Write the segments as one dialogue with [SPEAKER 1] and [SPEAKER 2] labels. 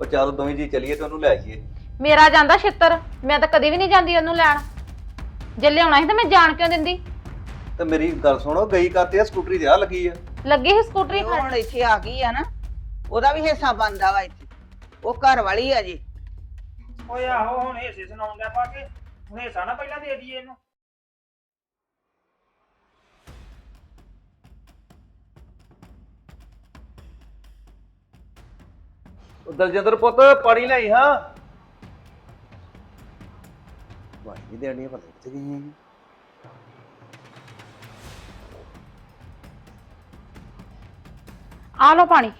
[SPEAKER 1] ਉਹ ਚੱਲ ਦੋਵੇਂ ਜੀ ਚੱਲੀਏ ਤੇ ਉਹਨੂੰ ਲੈ ਆਈਏ।
[SPEAKER 2] ਮੇਰਾ ਜਾਂਦਾ ਛਿੱਤਰ, ਮੈਂ ਤਾਂ ਕਦੀ ਵੀ ਨਹੀਂ ਜਾਂਦੀ ਉਹਨੂੰ ਲੈਣ। ਜੇ ਲਿਆਉਣਾ ਸੀ ਤਾਂ ਮੈਂ ਜਾਣ ਕਿਉਂ ਦਿੰਦੀ।
[SPEAKER 1] ਤੇ ਮੇਰੀ ਗੱਲ ਸੁਣੋ, ਗਈ ਕਰਤੇ ਆ ਸਕੂਟਰੀ ਤੇ ਆ ਲੱਗੀ ਆ।
[SPEAKER 2] ਲੱਗੀ ਸੀ ਸਕੂਟਰੀ
[SPEAKER 3] ਉਹ ਹੁਣ ਇੱਥੇ ਆ ਗਈ ਆ ਨਾ, ਉਹਦਾ ਵੀ ਹਿੱਸਾ ਬਣਦਾ ਵਾ ਇੱਥੇ। ਉਹ ਘਰ ਵਾਲੀ ਆ ਜੀ।
[SPEAKER 4] ਓਏ ਆਹੋ ਹੁਣ ਹਿੱਸੇ ਸੁਣਾਉਣ ਦਾ ਪਾ ਕੇ ਹੁਣ ਹਿੱਸਾ ਨਾ ਪਹਿਲਾਂ ਦੇ ਦਈਏ ਇਹਨੂੰ।
[SPEAKER 1] ਉਹ ਦਲਜਿੰਦਰ ਪੁੱਤ ਪਾਣੀ ਲਿਆਈ ਹਾਂ। ਵਾਹੀ ਨਹੀਂ ਦੇਣੀ, ਪਤਾ ਕਿੱਥੇ ਗਈ ਹੈ।
[SPEAKER 2] ਆ ਲਓ ਪਾਣੀ।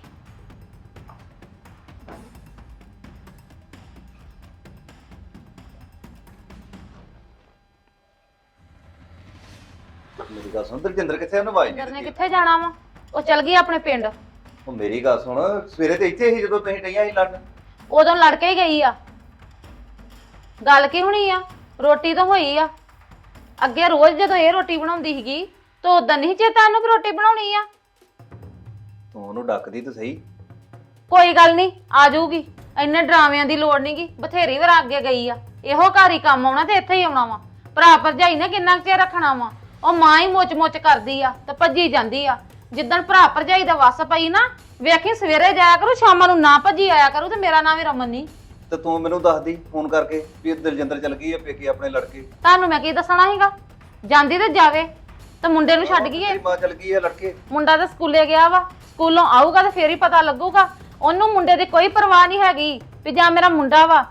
[SPEAKER 1] ਮੇਰੀ ਗੱਲ ਸੁਣ, ਦਲਜਿੰਦਰ ਕਿੱਥੇ? ਉਹਨੂੰ ਆਵਾਜ਼ ਨਹੀਂ
[SPEAKER 2] ਨੇ
[SPEAKER 1] ਦਿੱਤੀ।
[SPEAKER 2] ਕਿੱਥੇ ਜਾਣਾ ਵਾ? ਉਹ ਚਲ ਗਈ ਆਪਣੇ ਪਿੰਡ।
[SPEAKER 1] ਉਹ ਮੇਰੀ ਗੱਲ ਸੁਣ, ਸਵੇਰੇ ਤੇ ਇੱਥੇ ਸੀ ਜਦੋਂ ਤੁਸੀਂ ਟਈਆਂ ਸੀ ਲੜਨ।
[SPEAKER 2] ਉਦੋਂ ਲੜ ਕੇ ਹੀ ਗਈ ਆ। ਗੱਲ ਕੀ ਹੋਣੀ ਆ? ਰੋਟੀ ਤਾਂ ਹੋਈ ਆ। ਅੱਗੇ ਰੋਜ਼ ਜਦੋਂ ਇਹ ਰੋਟੀ ਬਣਾਉਂਦੀ ਸੀਗੀ ਤਾਂ ਉਦੋਂ ਨਹੀਂ ਚੇਤਾ ਉਹਨੂੰ ਵੀ ਰੋਟੀ ਬਣਾਉਣੀ ਆ।
[SPEAKER 1] ਤੂੰ ਉਹਨੂੰ ਡੱਕਦੀ ਤਾਂ ਸਹੀ।
[SPEAKER 2] ਕੋਈ ਗੱਲ ਨਹੀਂ, ਆ ਜਾਊਗੀ। ਇੰਨੇ ਡਰਾਮਿਆਂ ਦੀ ਲੋੜ ਨਹੀਂਗੀ, ਬਥੇਰੀ ਵਾਰ ਅੱਗੇ ਗਈ ਆ। ਇਹੋ ਘਰ ਹੀ ਕੰਮ ਆਉਣਾ ਤੇ ਇੱਥੇ ਹੀ ਆਉਣਾ ਵਾ। ਭਰਾ ਭਰਜਾਈ ਨੇ ਕਿੰਨਾ ਕੁ ਚਿਰ ਰੱਖਣਾ ਵਾ? ਉਹ ਮਾਂ ਹੀ ਮੁੱਚ ਕਰਦੀ ਆ ਤੇ ਭੱਜੀ ਜਾਂਦੀ ਆ। ਜਿੱਦਣ ਭਰਾ ਭਰਜਾਈ ਦਾ ਵਸ ਪਈ ਨਾ, ਵੇਖੀ ਸਵੇਰੇ ਜਾਇਆ ਕਰੂ, ਸ਼ਾਮਾਂ ਨੂੰ ਨਾ ਭੱਜੀ ਆਇਆ ਕਰੂ। ਤੇ ਮੇਰਾ ਨਾਮ ਹੀ ਰਮਨ ਨਹੀਂ।
[SPEAKER 1] ਤੇ ਤੂੰ ਮੈਨੂੰ ਦੱਸਦੀ ਫੋਨ ਕਰਕੇ ਵੀ ਦਲਜਿੰਦਰ ਚਲ ਗਈ ਆ ਪੇਕੇ ਆਪਣੇ ਲੜਕੇ।
[SPEAKER 2] ਤੁਹਾਨੂੰ ਮੈਂ ਕੀ ਦੱਸਣਾ ਸੀਗਾ? ਜਾਂਦੀ ਤੇ ਜਾਵੇ, ਤੇ ਮੁੰਡੇ ਨੂੰ ਛੱਡ ਗਈ ਏ।
[SPEAKER 1] ਮਾਂ ਚਲ ਗਈ ਆ ਲੜਕੇ।
[SPEAKER 2] ਮੁੰਡਾ ਤਾਂ ਸਕੂਲੇ ਗਿਆ ਵਾ, ਸਕੂਲੋਂ ਆਊਗਾ ਤੇ ਫੇਰ ਹੀ ਪਤਾ ਲੱਗੂਗਾ। ਉਹਨੂੰ ਮੁੰਡੇ ਦੀ ਕੋਈ ਪਰਵਾਹ ਨਹੀਂ ਹੈਗੀ ਵੀ ਜਾਂ ਮੇਰਾ ਮੁੰਡਾ ਵਾ।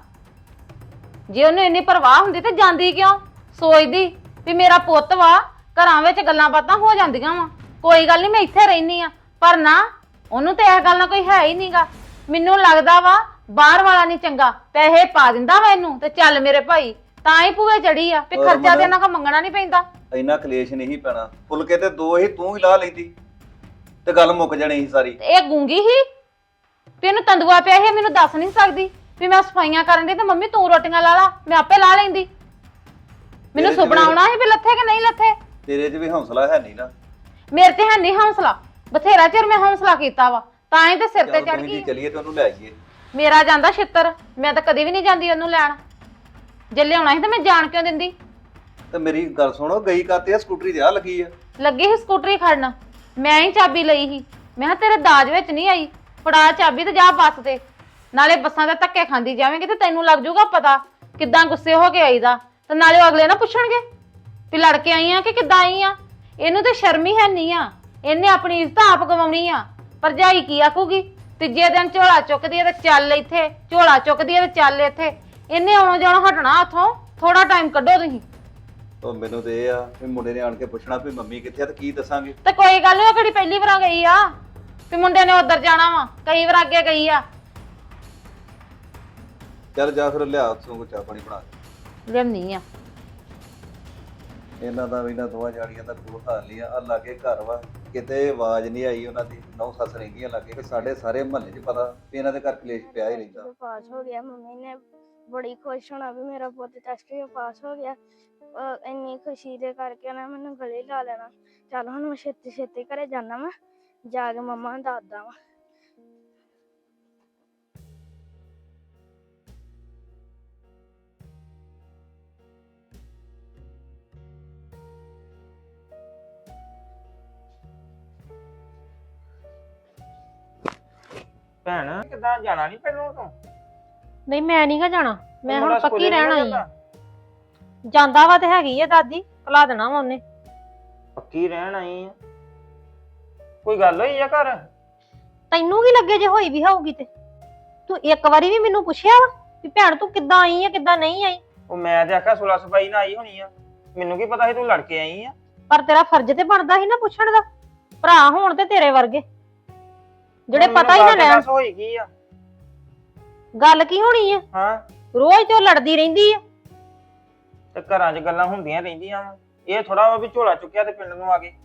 [SPEAKER 2] ਜੇ ਉਹਨੂੰ ਇੰਨੀ ਪਰਵਾਹ ਹੁੰਦੀ ਤੇ ਜਾਂਦੀ ਕਿਉਂ? ਸੋਚਦੀ ਵੀ ਮੇਰਾ ਪੁੱਤ ਵਾ। ਘਰਾਂ ਵਿੱਚ ਗੱਲਾਂ ਬਾਤਾਂ ਹੋ ਜਾਂਦੀਆਂ ਵਾ, ਕੋਈ ਗੱਲ ਨਹੀਂ ਮੈਂ ਇੱਥੇ ਰਹਿਨੀ ਆ। ਪਰ ਨਾ, ਉਹਨੂੰ ਤੇ ਇਹ ਗੱਲ ਨਾਲ ਕੋਈ ਹੈ ਹੀ ਨਹੀਂਗਾ। ਮੈਨੂੰ ਲੱਗਦਾ ਵਾ ਬਾਹਰ ਵਾਲਾ ਨਹੀਂ ਚੰਗਾ, ਪੈਸੇ ਪਾ ਦਿੰਦਾ ਵਾ ਇਹਨੂੰ ਤੇ ਚੱਲ ਮੇਰੇ ਭਾਈ। ਤਾਂ ਹੀ ਭੂਏ ਚੜੀ ਆ ਵੀ ਖਰਚਾ ਤੇ ਇਹਨਾਂ ਕੋਲ ਮੰਗਣਾ ਨਹੀਂ ਪੈਂਦਾ।
[SPEAKER 1] ਇੰਨਾ ਕਲੇਸ਼ ਨਹੀਂ ਪੈਣਾ। ਫੁਲਕੇ ਤੇ ਦੋ ਹੀ ਤੂੰ ਹੀ ਲਾ ਲੈਂਦੀ ਤੇ ਗੱਲ ਮੁੱਕ ਜਾਣੀ ਸੀ ਸਾਰੀ।
[SPEAKER 2] ਇਹ ਗੂੰਗੀ ਹੀ ਵੀ ਇਹਨੂੰ ਤੰਦੂਆ ਪਿਆ ਸੀ, ਮੈਨੂੰ ਦੱਸ ਨਹੀਂ ਸਕਦੀ ਵੀ ਮੈਂ ਸਫਾਈਆਂ ਕਰਨ ਦੀ ਤੇ ਮੰਮੀ ਤੂੰ ਰੋਟੀਆਂ ਲਾ ਲਾ, ਮੈਂ ਆਪੇ ਲਾ ਲੈਂਦੀ। ਮੈਨੂੰ ਸੁਪਨਾ ਆਉਣਾ ਸੀ ਵੀ ਲੱਥੇ ਕਿ ਨਹੀਂ ਲੱਥੇ।
[SPEAKER 1] ਤੇਰੇ 'ਚ ਵੀ ਹੌਸਲਾ ਹੈ ਨਹੀਂ ਨਾ।
[SPEAKER 2] ਮੇਰੇ ਤੇ ਹੈ ਨਹੀਂ ਹੌਸਲਾ। ਬਥੇਰਾ ਚਿਰ ਮੈਂ ਹੌਸਲਾ ਕੀਤਾ ਵਾ, ਤਾਂ ਹੀ ਤੇ ਸਿਰ ਤੇ
[SPEAKER 1] ਚੱਲ
[SPEAKER 2] ਚੜ
[SPEAKER 1] ਦੋਵੇਂ ਜੀ
[SPEAKER 2] ਗਈ।
[SPEAKER 1] ਚੱਲੀਏ ਤੇ ਉਹਨੂੰ ਲੈ ਆਈਏ।
[SPEAKER 2] ਮੇਰਾ ਜਾਂਦਾ ਛਿੱਤਰ, ਮੈਂ ਤਾਂ ਕਦੀ ਵੀ ਨਹੀਂ ਜਾਂਦੀ ਉਹਨੂੰ ਲੈਣ। ਜੇ ਲਿਆਉਣਾ ਸੀ ਤਾਂ ਮੈਂ ਜਾਣ ਕਿਉਂ ਦਿੰਦੀ।
[SPEAKER 1] ਤੇ ਮੇਰੀ ਗੱਲ ਸੁਣੋ, ਗਈ ਕਰਤੇ ਆ ਸਕੂਟਰੀ ਤੇ ਆ ਲੱਗੀ ਆ।
[SPEAKER 2] ਲੱਗੀ ਸੀ ਸਕੂਟਰੀ ਖੜਨ, ਮੈਂ ਹੀ ਚਾਬੀ ਲਈ ਸੀ। ਮੈਂ ਕਿਹਾ ਤੇਰੇ ਦਾਜ ਵਿੱਚ ਨਹੀਂ ਆਈ, ਫੜਾ ਚਾਬੀ ਤੇ ਜਾ ਬੱਸ ਤੇ। ਨਾਲੇ ਬੱਸਾਂ ਦੇ ਧੱਕੇ ਖਾਂਦੀ ਜਾਵੇਂਗੀ ਤੇ ਤੈਨੂੰ ਲੱਗ ਜਾਊਗਾ ਪਤਾ ਕਿੱਦਾਂ ਗੁੱਸੇ ਹੋ ਕੇ ਆਈਦਾ। ਤੇ ਨਾਲੇ ਉਹ ਅਗਲੇ ਨਾ ਪੁੱਛਣਗੇ ਵੀ ਲੜ ਕੇ ਆਈ ਆ ਕਿ ਕਿੱਦਾਂ ਆਈ ਆ। ਇਹਨੂੰ ਤੇ ਸ਼ਰਮ ਹੀ ਹੈ ਨਹੀਂ ਆ। ਇਹਨੇ ਆਪਣੀ ਇੱਜ਼ਤ ਆਪ ਗਵਾਉਣੀ ਆ। ਭਰਜਾਈ ਕੀ ਆਖੂਗੀ? ਤੀਜੇ ਦਿਨ ਝੋਲਾ ਚੁੱਕਦੀ ਹੈ ਤੇ ਚੱਲ ਇੱਥੇ, ਝੋਲਾ ਚੁੱਕਦੀ ਹੈ ਤੇ ਚੱਲ ਇੱਥੇ। ਇਹਨੇ ਆਉਣਾ ਜਾਣਾ ਹਟਣਾ ਉੱਥੋਂ। ਥੋੜਾ ਟਾਈਮ ਕੱਢੋ ਤੁਸੀਂ।
[SPEAKER 1] ਉਹ ਮੈਨੂੰ ਤੇ ਇਹ ਆ ਵੀ ਮੁੰਡੇ ਨੇ ਆਣ ਕੇ ਪੁੱਛਣਾ ਵੀ ਮੰਮੀ ਕਿੱਥੇ ਆ ਤੇ ਕੀ ਦੱਸਾਂਗੇ।
[SPEAKER 2] ਤੇ ਕੋਈ ਗੱਲ ਨੀ, ਉਹ ਕਿਹੜੀ ਪਹਿਲੀ ਵਾਰ ਗਈ ਆ ਵੀ ਮੁੰਡੇ ਨੇ ਉਧਰ ਜਾਣਾ ਵਾ? ਕਈ ਵਾਰ ਅੱਗੇ ਗਈ ਆ।
[SPEAKER 1] ਚੱਲ ਜਾ ਫਿਰ ਲਿਆ ਉੱਥੋਂ ਕੋਈ ਚਾਹ ਪਾਣੀ ਬਣਾ ਕੇ।
[SPEAKER 2] ਲਿਆਉਣੀ ਆ।
[SPEAKER 1] ਇਹਨਾਂ ਦਾ ਵੀ ਨਾ ਦੋਵਾਂ ਜਾੜੀਆਂ ਦਾ ਕੋਈ ਹਾਲ ਨਹੀਂ ਆ। ਆ ਲਾਗੇ ਘਰ ਵਾ, ਕਿਤੇ ਆਵਾਜ਼ ਨਹੀਂ ਆਈ ਉਹਨਾਂ ਦੀ। ਨੌ ਸੱਸ ਰਹਿੰਦੀਆਂ ਲਾਗੇ ਤੇ ਸਾਡੇ ਸਾਰੇ ਮੁਹੱਲੇ 'ਚ ਪਤਾ ਵੀ ਇਹਨਾਂ ਦੇ ਘਰ ਕਲੇਸ਼ ਪਿਆ ਹੀ ਰਹਿੰਦਾ।
[SPEAKER 5] ਪਾਸ ਹੋ ਗਿਆ, ਮੰਮੀ ਨੇ ਬੜੀ ਖੁਸ਼ ਹੋਣਾ ਵੀ ਮੇਰਾ ਪੁੱਤ ਟੈਸਟ ਵਿੱਚ ਪਾਸ ਹੋ ਗਿਆ। ਇੰਨੀ ਖੁਸ਼ੀ ਦੇ ਕਰਕੇ ਨਾ ਮੈਨੂੰ ਗਲੇ ਲਾ ਲੈਣਾ। ਚੱਲ ਹੁਣ ਮੈਂ ਛੇਤੀ ਛੇਤੀ ਘਰੇ ਜਾਣਾ ਵਾ, ਜਾ ਕੇ ਮੰਮਾ ਨੂੰ ਦੱਸਦਾ ਵਾ।
[SPEAKER 4] ਭੈਣ ਕਿੱਦਾਂ ਜਾਣਾ ਨਹੀਂ ਪਹਿਲਾਂ ਤੋਂ?
[SPEAKER 6] ਨਹੀਂ ਮੈਂ ਨੀ ਗਾ ਜਾਣਾ, ਮੈਂ ਹੁਣ
[SPEAKER 4] ਮੁੰਡਾ
[SPEAKER 6] ਪੱਕੀ
[SPEAKER 4] ਸਕੂਲੇ ਨੀ
[SPEAKER 6] ਰਹਿਣ ਆਈ
[SPEAKER 4] ਜਾਂਦਾ?
[SPEAKER 6] ਆ। ਜਾਂਦਾ ਵਾ ਤੇ ਹੈਗੀ ਆ ਦਾਦੀ, ਕਲਾ ਦੇਣਾ ਵਾ ਉਹਨੇ।
[SPEAKER 4] ਪੱਕੀ ਰਹਿਣ ਆਈ ਆ? ਕੋਈ ਗੱਲ ਹੋਈ ਆ ਘਰ?
[SPEAKER 6] ਤੈਨੂੰ ਕੀ ਲੱਗੇ ਜੇ ਹੋਈ ਵੀ ਹੋਊਗੀ ਤੇ? ਤੂੰ ਇੱਕ ਵਾਰੀ ਵੀ ਮੈਨੂੰ ਪੁੱਛਿਆ ਵਾ ਵੀ ਭੈਣ ਤੂੰ ਕਿੱਦਾਂ ਆਈ ਆ ਕਿੱਦਾਂ ਨਹੀਂ ਆਈ?
[SPEAKER 4] ਉਹ ਮੈਂ ਤੇ ਆਖਿਆ ਸੁਲਾ ਸਫਾਈ ਨਾਲ ਆਈ ਹੋਣੀ ਆ। ਮੈਨੂੰ ਕੀ ਪਤਾ ਸੀ ਤੂੰ ਲੜ ਕੇ ਆਈ ਆ।
[SPEAKER 6] ਪਰ ਤੇਰਾ ਫਰਜ਼ ਤੇ ਬਣਦਾ ਸੀ ਨਾ ਪੁੱਛਣ ਦਾ। ਭਰਾ ਹੋਣ ਤੇ ਤੇਰੇ ਵਰਗੇ ਜਿਹੜੇ
[SPEAKER 4] ਹੁਣ
[SPEAKER 6] ਪਤਾ ਹੀ
[SPEAKER 4] ਮੈਨੂੰ
[SPEAKER 6] ਨਾ ਲੈਣ।
[SPEAKER 4] ਦੱਸ ਹੋਈ ਕੀ ਆ?
[SPEAKER 6] ਗੱਲ ਕੀ ਹੋਣੀ ਆ?
[SPEAKER 4] ਹਾਂ,
[SPEAKER 6] ਰੋਜ਼ ਤੇ ਉਹ ਲੜਦੀ ਰਹਿੰਦੀ ਆ।
[SPEAKER 4] ਤੇ ਘਰਾਂ 'ਚ ਗੱਲਾਂ ਹੁੰਦੀਆਂ ਰਹਿੰਦੀਆਂ ਵਾ। ਇਹ ਥੋੜਾ ਵਾ ਵੀ ਝੋਲਾ ਚੁੱਕਿਆ ਤੇ ਪਿੰਡ ਨੂੰ ਆ ਗਏ।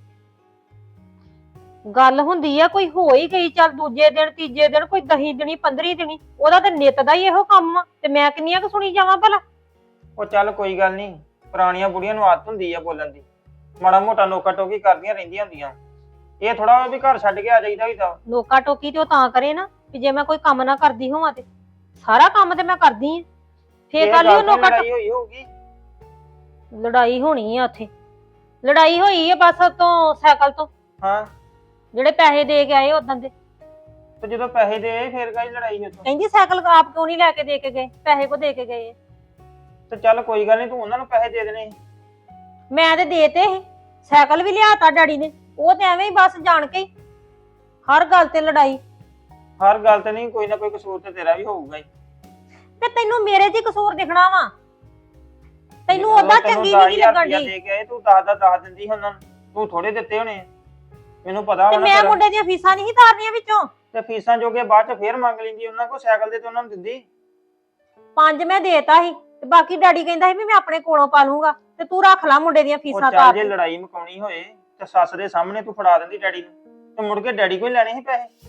[SPEAKER 6] ਗੱਲ ਹੁੰਦੀ ਆ, ਕੋਈ ਹੋ ਹੀ ਗਈ, ਚੱਲ ਦੂਜੇ ਦਿਨ ਤੀਜੇ ਦਿਨ, ਕੋਈ 10 ਦਿਨੀ 15 ਦਿਨੀ, ਉਹਦਾ ਤੇ ਨਿੱਤ ਦਾ ਹੀ ਇਹੋ ਕੰਮ ਆ। ਤੇ ਮੈਂ ਕਿੰਨੀਆਂ ਕੁ ਸੁਣੀ ਜਾਵਾਂ ਭਲਾ?
[SPEAKER 4] ਉਹ ਚੱਲ ਕੋਈ ਗੱਲ ਨਹੀਂ, ਪੁਰਾਣੀਆਂ ਬੁੜੀਆਂ ਨੂੰ ਆਦਤ ਹੁੰਦੀ ਆ ਬੋਲਣ ਦੀ। ਮਾੜਾ ਮੋਟਾ ਨੋਕਾ ਟੋਕੀ ਕਰਦੀਆਂ ਰਹਿੰਦੀਆਂ ਹੁੰਦੀਆਂ। ਇਹ ਥੋੜਾ ਵਾ ਵੀ ਘਰ ਛੱਡ ਕੇ ਆ ਜਾਈਦਾ ਹੀ ਤਾਂ।
[SPEAKER 6] ਨੋਕਾ ਟੋਕੀ ਤੇ ਉਹ ਤਾਂ ਕਰੇ ਨਾ ਵੀ ਜੇ ਮੈਂ ਕੋਈ ਕੰਮ ਨਾ ਕਰਦੀ ਹੋਵਾਂ ਤੇ ਸਾਰਾ ਕੰਮ ਤੇ ਮੈਂ ਕਰਦੀ ਆ। ਫੇਰ
[SPEAKER 4] ਇਹ
[SPEAKER 6] ਕੱਲ ਹੀ
[SPEAKER 4] ਗੱਲ
[SPEAKER 6] ਉਹਨੂੰ
[SPEAKER 4] ਤੇ
[SPEAKER 6] ਕੱਟ
[SPEAKER 4] ਲੜਾਈ ਹੋਈ ਹੋਊਗੀ।
[SPEAKER 6] ਲੜਾਈ ਹੋਣੀ ਆ ਉੱਥੇ। ਲੜਾਈ ਹੋਈ ਆ ਬਸ ਤੋਂ ਸਾਈਕਲ ਤੋਂ,
[SPEAKER 4] ਹਾਂ
[SPEAKER 6] ਜਿਹੜੇ ਪੈਸੇ ਦੇ ਕੇ ਆਏ ਉਦੋਂ ਦੇ।
[SPEAKER 4] ਤੇ ਜਦੋਂ ਪੈਸੇ ਦੇ ਫੇਰ ਕਾਹਦੀ ਲੜਾਈ ਉੱਥੋਂ?
[SPEAKER 6] ਕਹਿੰਦੀ ਸਾਈਕਲ ਆਪ ਕਿਉਂ ਨਹੀਂ ਲੈ ਕੇ ਦੇ ਕੇ ਗਏ, ਪੈਸੇ ਕੋ ਦੇ ਕੇ ਗਏ।
[SPEAKER 4] ਤੇ ਚੱਲ ਕੋਈ ਗੱਲ ਨਹੀਂ, ਤੂੰ ਉਹਨਾਂ ਨੂੰ ਪੈਸੇ ਦੇ ਦੇਣੇ ਸੀ।
[SPEAKER 6] ਮੈਂ ਤੇ ਦੇਤੇ ਸੀ, ਸਾਈਕਲ ਵੀ ਲਿਆਤਾ ਡੈਡੀ ਨੇ। ਉਹ ਤੇ ਐਵੇਂ ਹੀ ਬਸ ਜਾਣ ਕੇ ਹੀ ਹਰ ਗੱਲ ਤੇ ਲੜਾਈ।
[SPEAKER 4] ਹਰ ਗੱਲ ਤੇ ਨਹੀਂ, ਕੋਈ ਨਾ ਕੋਈ ਕਸੂਰ ਤੇ ਤੇਰਾ ਵੀ ਹੋਊਗਾ ਹੀ।
[SPEAKER 6] ਤੇ ਤੈਨੂੰ ਮੇਰੇ 'ਚ ਹੀ ਕਸੂਰ ਦਿਖਣਾ ਵਾ, ਤੈਨੂੰ
[SPEAKER 4] ਜਦੋਂ
[SPEAKER 6] ਉਹਦਾ
[SPEAKER 4] ਤੈਨੂੰ
[SPEAKER 6] ਚੰਗੀ
[SPEAKER 4] 10,000
[SPEAKER 6] ਨਹੀਂ ਲੱਗਣ
[SPEAKER 4] ਰੁਪਇਆ
[SPEAKER 6] ਦੀ।
[SPEAKER 4] ਦੇ ਕੇ ਆਏ, ਤੂੰ 10 ਦਿੰਦੀ ਸੀ ਉਹਨਾਂ ਨੂੰ, ਤੂੰ ਥੋੜੇ ਦਿੱਤੇ ਹੋਣੇ ਆ। ਮੈਨੂੰ ਪਤਾ
[SPEAKER 6] ਤੇ
[SPEAKER 4] ਵਾ ਨਾ
[SPEAKER 6] ਮੈਂ
[SPEAKER 4] ਤੇਰਾ।
[SPEAKER 6] ਮੁੰਡੇ ਦੀਆਂ ਫੀਸਾਂ ਨਹੀਂ ਤਾਰਨੀਆਂ ਵਿੱਚੋਂ।
[SPEAKER 4] ਤੇ ਫੀਸਾਂ ਜੋਗੇ ਬਾਅਦ ਚ ਫੇਰ ਮੰਗ ਲੈਂਦੀ ਉਹਨਾਂ ਕੋਲ, ਸਾਈਕਲ ਦੇ ਤੇ ਉਹਨਾਂ ਨੂੰ ਦਿੰਦੀ।
[SPEAKER 6] 5 ਮੈਂ ਦੇਤਾ ਸੀ ਤੇ ਬਾਕੀ ਡੈਡੀ ਕਹਿੰਦਾ ਸੀ ਵੀ ਮੈਂ ਆਪਣੇ ਕੋਲੋਂ ਪਾ ਲੂੰਗਾ ਤੇ ਤੂੰ ਰੱਖ ਲੈ ਮੁੰਡੇ ਦੀਆਂ
[SPEAKER 4] ਉਹ
[SPEAKER 6] ਫੀਸਾਂ
[SPEAKER 4] ਚੱਲ
[SPEAKER 6] ਤਾਰ
[SPEAKER 4] ਜੇ
[SPEAKER 6] ਕੇ।
[SPEAKER 4] ਲੜਾਈ ਮੁਕਾਉਣੀ ਹੋਏ ਤੇ ਸੱਸ ਦੇ ਸਾਹਮਣੇ ਤੂੰ ਫੜਾ ਦਿੰਦੀ ਡੈਡੀ ਨੂੰ, ਤੇ ਮੁੜ ਕੇ ਡੈਡੀ ਕੋਈ ਲੈਣੇ ਸੀ ਪੈਸੇ।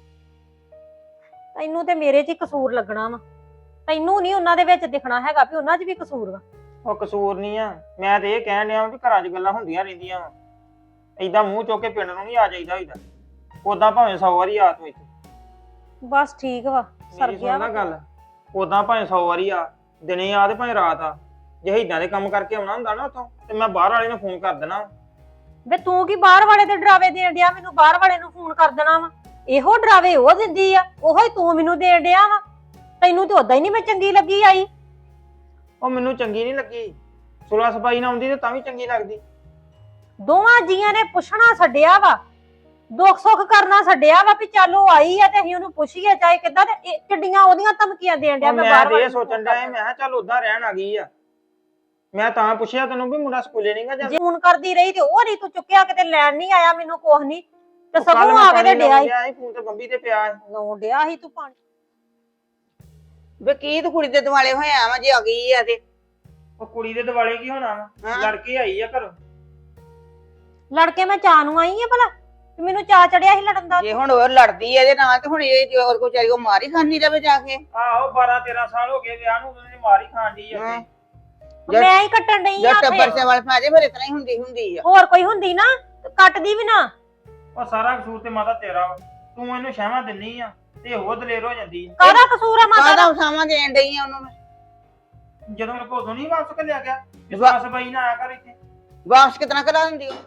[SPEAKER 6] ਤੈਨੂੰ ਤੇ ਮੇਰੇ 'ਚ ਹੀ ਕਸੂਰ ਲੱਗਣਾ ਵਾ, ਤੈਨੂੰ ਨਹੀਂ ਉਹਨਾਂ ਦੇ ਵਿੱਚ ਦਿਖਣਾ ਹੈਗਾ ਵੀ ਉਹਨਾਂ 'ਚ ਵੀ ਕਸੂਰ ਵਾ।
[SPEAKER 4] ਉਹ ਕਸੂਰ ਨਹੀਂ ਆ, ਮੈਂ ਤੇ ਇਹ ਕਹਿਣ ਡਿਆ ਵੀ ਘਰਾਂ 'ਚ ਗੱਲਾਂ ਹੁੰਦੀਆਂ ਰਹਿੰਦੀਆਂ ਵਾ। ਏਦਾਂ ਮੂੰਹ ਚੁੱਕ ਕੇ ਪਿੰਡ ਨੂੰ ਨਹੀਂ ਆ ਜਾਈਦਾ ਹੋਈਦਾ। ਉਦਾਂ ਭਾਵੇਂ 100 ਵਾਰੀ ਆ ਤੂੰ ਇੱਥੇ,
[SPEAKER 6] ਬਸ ਠੀਕ ਵਾ, ਸਰ
[SPEAKER 4] ਮੇਰੀ
[SPEAKER 6] ਗਿਆ
[SPEAKER 4] ਸੁਣ ਨਾ
[SPEAKER 6] ਵਾ।
[SPEAKER 4] ਗੱਲ। ਉਦਾਂ ਭਾਵੇਂ 100 ਵਾਰੀ ਆ, ਦਿਨੇ ਆ ਤੇ ਭਾਵੇਂ ਰਾਤ ਆ। ਜੇ ਏਦਾਂ ਦੇ ਕੰਮ ਕਰਕੇ ਆਉਣਾ ਹੁੰਦਾ ਨਾ ਉੱਥੋਂ, ਤੇ ਮੈਂ ਬਾਹਰ ਵਾਲੇ ਨੂੰ ਫੋਨ ਕਰ ਦੇਣਾ।
[SPEAKER 6] ਵੇ ਤੂੰ ਕੀ ਬਾਹਰ ਵਾਲੇ ਦੇ ਡਰਾਵੇ ਦੇਣ ਡਿਆ, ਮੈਨੂੰ ਬਾਹਰ ਵਾਲੇ ਨੂੰ ਫੋਨ ਕਰ ਦੇਣਾ ਵਾ। ਇਹੋ ਡਰਾਵੇ ਉਹ ਦਿੰਦੀ ਆ, ਉਹੋ ਹੀ ਤੂੰ ਮੈਨੂੰ ਦੇਣ ਡਿਆ ਵਾ। ਤੈਨੂੰ ਤੇ ਉਦਾਂ ਹੀ ਨਹੀਂ ਮੈਂ ਚੰਗੀ ਲੱਗੀ ਆਈ।
[SPEAKER 4] ਉਹ ਮੈਨੂੰ ਚੰਗੀ ਨਹੀਂ ਲੱਗੀ, ਸੁਲਾ ਸਫਾਈ ਨਾ ਆਉਂਦੀ ਤੇ ਤਾਂ ਵੀ ਚੰਗੀ ਲੱਗਦੀ।
[SPEAKER 6] ਦੋਵਾਂ ਜੀਆਂ ਨੇ ਪੁੱਛਣਾ ਛੱਡਿਆ ਵਾ, ਦੁੱਖ ਸੁੱਖ ਕਰਨਾ ਛੱਡਿਆ ਵਾ ਵੀ ਚੱਲ ਉਹ ਆਈ ਆ ਤੇ ਅਸੀਂ ਉਹਨੂੰ ਪੁੱਛੀਏ ਚਾਹੇ ਕਿੱਦਾਂ। ਤੇ ਇਹ ਕਿੱਡੀਆਂ ਉਹਦੀਆਂ ਧਮਕੀਆਂ ਦੇਣ ਡਿਆ।
[SPEAKER 4] ਉਹ
[SPEAKER 6] ਮੈਂ
[SPEAKER 4] ਮੈਂ
[SPEAKER 6] ਬਾਹਰ
[SPEAKER 4] ਤੇ
[SPEAKER 6] ਵਾਲੇ
[SPEAKER 4] ਇਹ ਸੋਚਣ ਡਿਆ ਸੀ, ਮੈਂ ਕਿਹਾ ਚੱਲ ਉਦਾਂ ਰਹਿਣ ਆ ਗਈ ਆ। ਮੈਂ ਤਾਂ ਪੁੱਛਿਆ ਤੈਨੂੰ ਵੀ ਮੁੰਡਾ ਸਕੂਲੇ ਨਹੀਂਗਾ ਜਾਂਦਾ।
[SPEAKER 6] ਜੇ ਫੋਨ ਕਰਦੀ ਰਹੀ ਤੇ ਉਹ ਨਹੀਂ ਤੂੰ ਚੁੱਕਿਆ, ਕਿਤੇ ਲੈਣ ਨਹੀਂ ਆਇਆ ਮੈਨੂੰ ਕੁਛ ਨਹੀਂ ਤੇ
[SPEAKER 4] ਉਹ ਕੱਲ੍ਹ
[SPEAKER 6] ਸਗੋਂ
[SPEAKER 4] ਮੈਂ
[SPEAKER 6] ਆ ਕੇ ਤੇ
[SPEAKER 4] ਪਾਣੀ
[SPEAKER 6] ਡਿਆ
[SPEAKER 4] ਲਾਉਣ ਸੀ, ਫੋਨ ਤੇ ਬੰਬੀ ਤੇ ਪਿਆ ਸੀ।
[SPEAKER 6] ਲਾਉਣ ਡਿਆ ਸੀ ਤੂੰ ਪਾਣੀ।
[SPEAKER 3] ਵੇ ਕੀ ਤੂੰ ਕੁੜੀ ਦੇ ਦੁਆਲੇ ਹੋਇਆ ਵਾ ਜੇ ਆ ਗਈ ਆ ਤੇ।
[SPEAKER 4] ਉਹ ਕੁੜੀ ਦੇ ਦਿਵਾਲੇ ਕੀ ਹੋਣਾ ਵਾ,
[SPEAKER 3] ਹਾਂ।
[SPEAKER 4] ਲੜ ਕੇ ਆਈ ਆ ਘਰੋਂ।
[SPEAKER 6] ਲੜਕੇ ਮੈਂ ਚਾਹ ਨੂੰ ਆਈ ਆ ਭਲਾ, ਤੇ ਮੈਨੂੰ ਚਾਹ ਚੜਿਆ ਸੀ ਲੜਨ ਦਾ।
[SPEAKER 3] ਜੇ ਹੁਣ ਉਹ ਲੜਦੀ ਆ ਇਹਦੇ ਨਾਲ ਤੇ ਹੁਣ ਇਹ ਜੇ ਹੋਰ ਕੋਈ ਚਾਹੀ ਉਹ ਮਾਰ ਹੀ ਖਾਂਦੀ ਰਵੇ ਜਾ ਕੇ।
[SPEAKER 4] ਆਹੋ 12-13 ਸਾਲ ਹੋ ਗਏ ਵਿਆਹ ਨੂੰ, ਉਹਨੇ ਮਾਰ ਹੀ ਖਾਣ ਡਈ ਆ
[SPEAKER 3] ਹਾਂ।
[SPEAKER 4] ਉੱਥੇ।
[SPEAKER 6] ਮੈਂ ਹੀ ਕੱਟਣ ਡਈ
[SPEAKER 3] ਜਦ
[SPEAKER 6] ਆ
[SPEAKER 3] ਟੱਬਰ
[SPEAKER 6] ਉੱਥੇ।
[SPEAKER 3] ਸੇ ਵਾਲ ਪਾ ਜੇ ਫਿਰ ਇਤਨਾ ਹੀ ਹੁੰਦੀ ਆ।
[SPEAKER 6] ਹੋਰ ਕੋਈ ਹੁੰਦੀ ਨਾ ਤੇ ਕੱਟਦੀ ਵੀ ਨਾ।
[SPEAKER 4] ਉਹ ਸਾਰਾ ਕਸੂਰ ਤੇ ਮਾਤਾ ਤੇਰਾ ਵਾ, ਤੂੰ ਇਹਨੂੰ ਸ਼ਹਿਵਾਂ ਦਿੰਨੀ ਆ ਤੇ ਉਹ ਦਲੇਰ ਹੋ ਜਾਂਦੀ ਆ।
[SPEAKER 6] ਕਾਹਦਾ ਕਸੂਰ ਆ ਮਾਤਾ
[SPEAKER 3] ਕਾਹਦਾ
[SPEAKER 6] ਦਾ?
[SPEAKER 3] ਉਸਾਵਾਂ ਦੇਣ ਡਈ ਆ ਉਹਨੂੰ ਮੈਂ।
[SPEAKER 4] ਜਦੋਂ ਮੇਰੇ ਕੋਲ ਨਹੀਂ ਵਾਪਸ ਘੱਲਿਆ ਗਿਆ, ਇਸ
[SPEAKER 3] ਵਾਹ।
[SPEAKER 4] ਵਾਸ ਬਾਈ ਨਾ ਆਇਆ ਕਰ ਇੱਥੇ।
[SPEAKER 3] ਵਾਪਸ ਕਿਤਨਾ ਕਰਾ ਦਿੰਦੀ ਉਹ।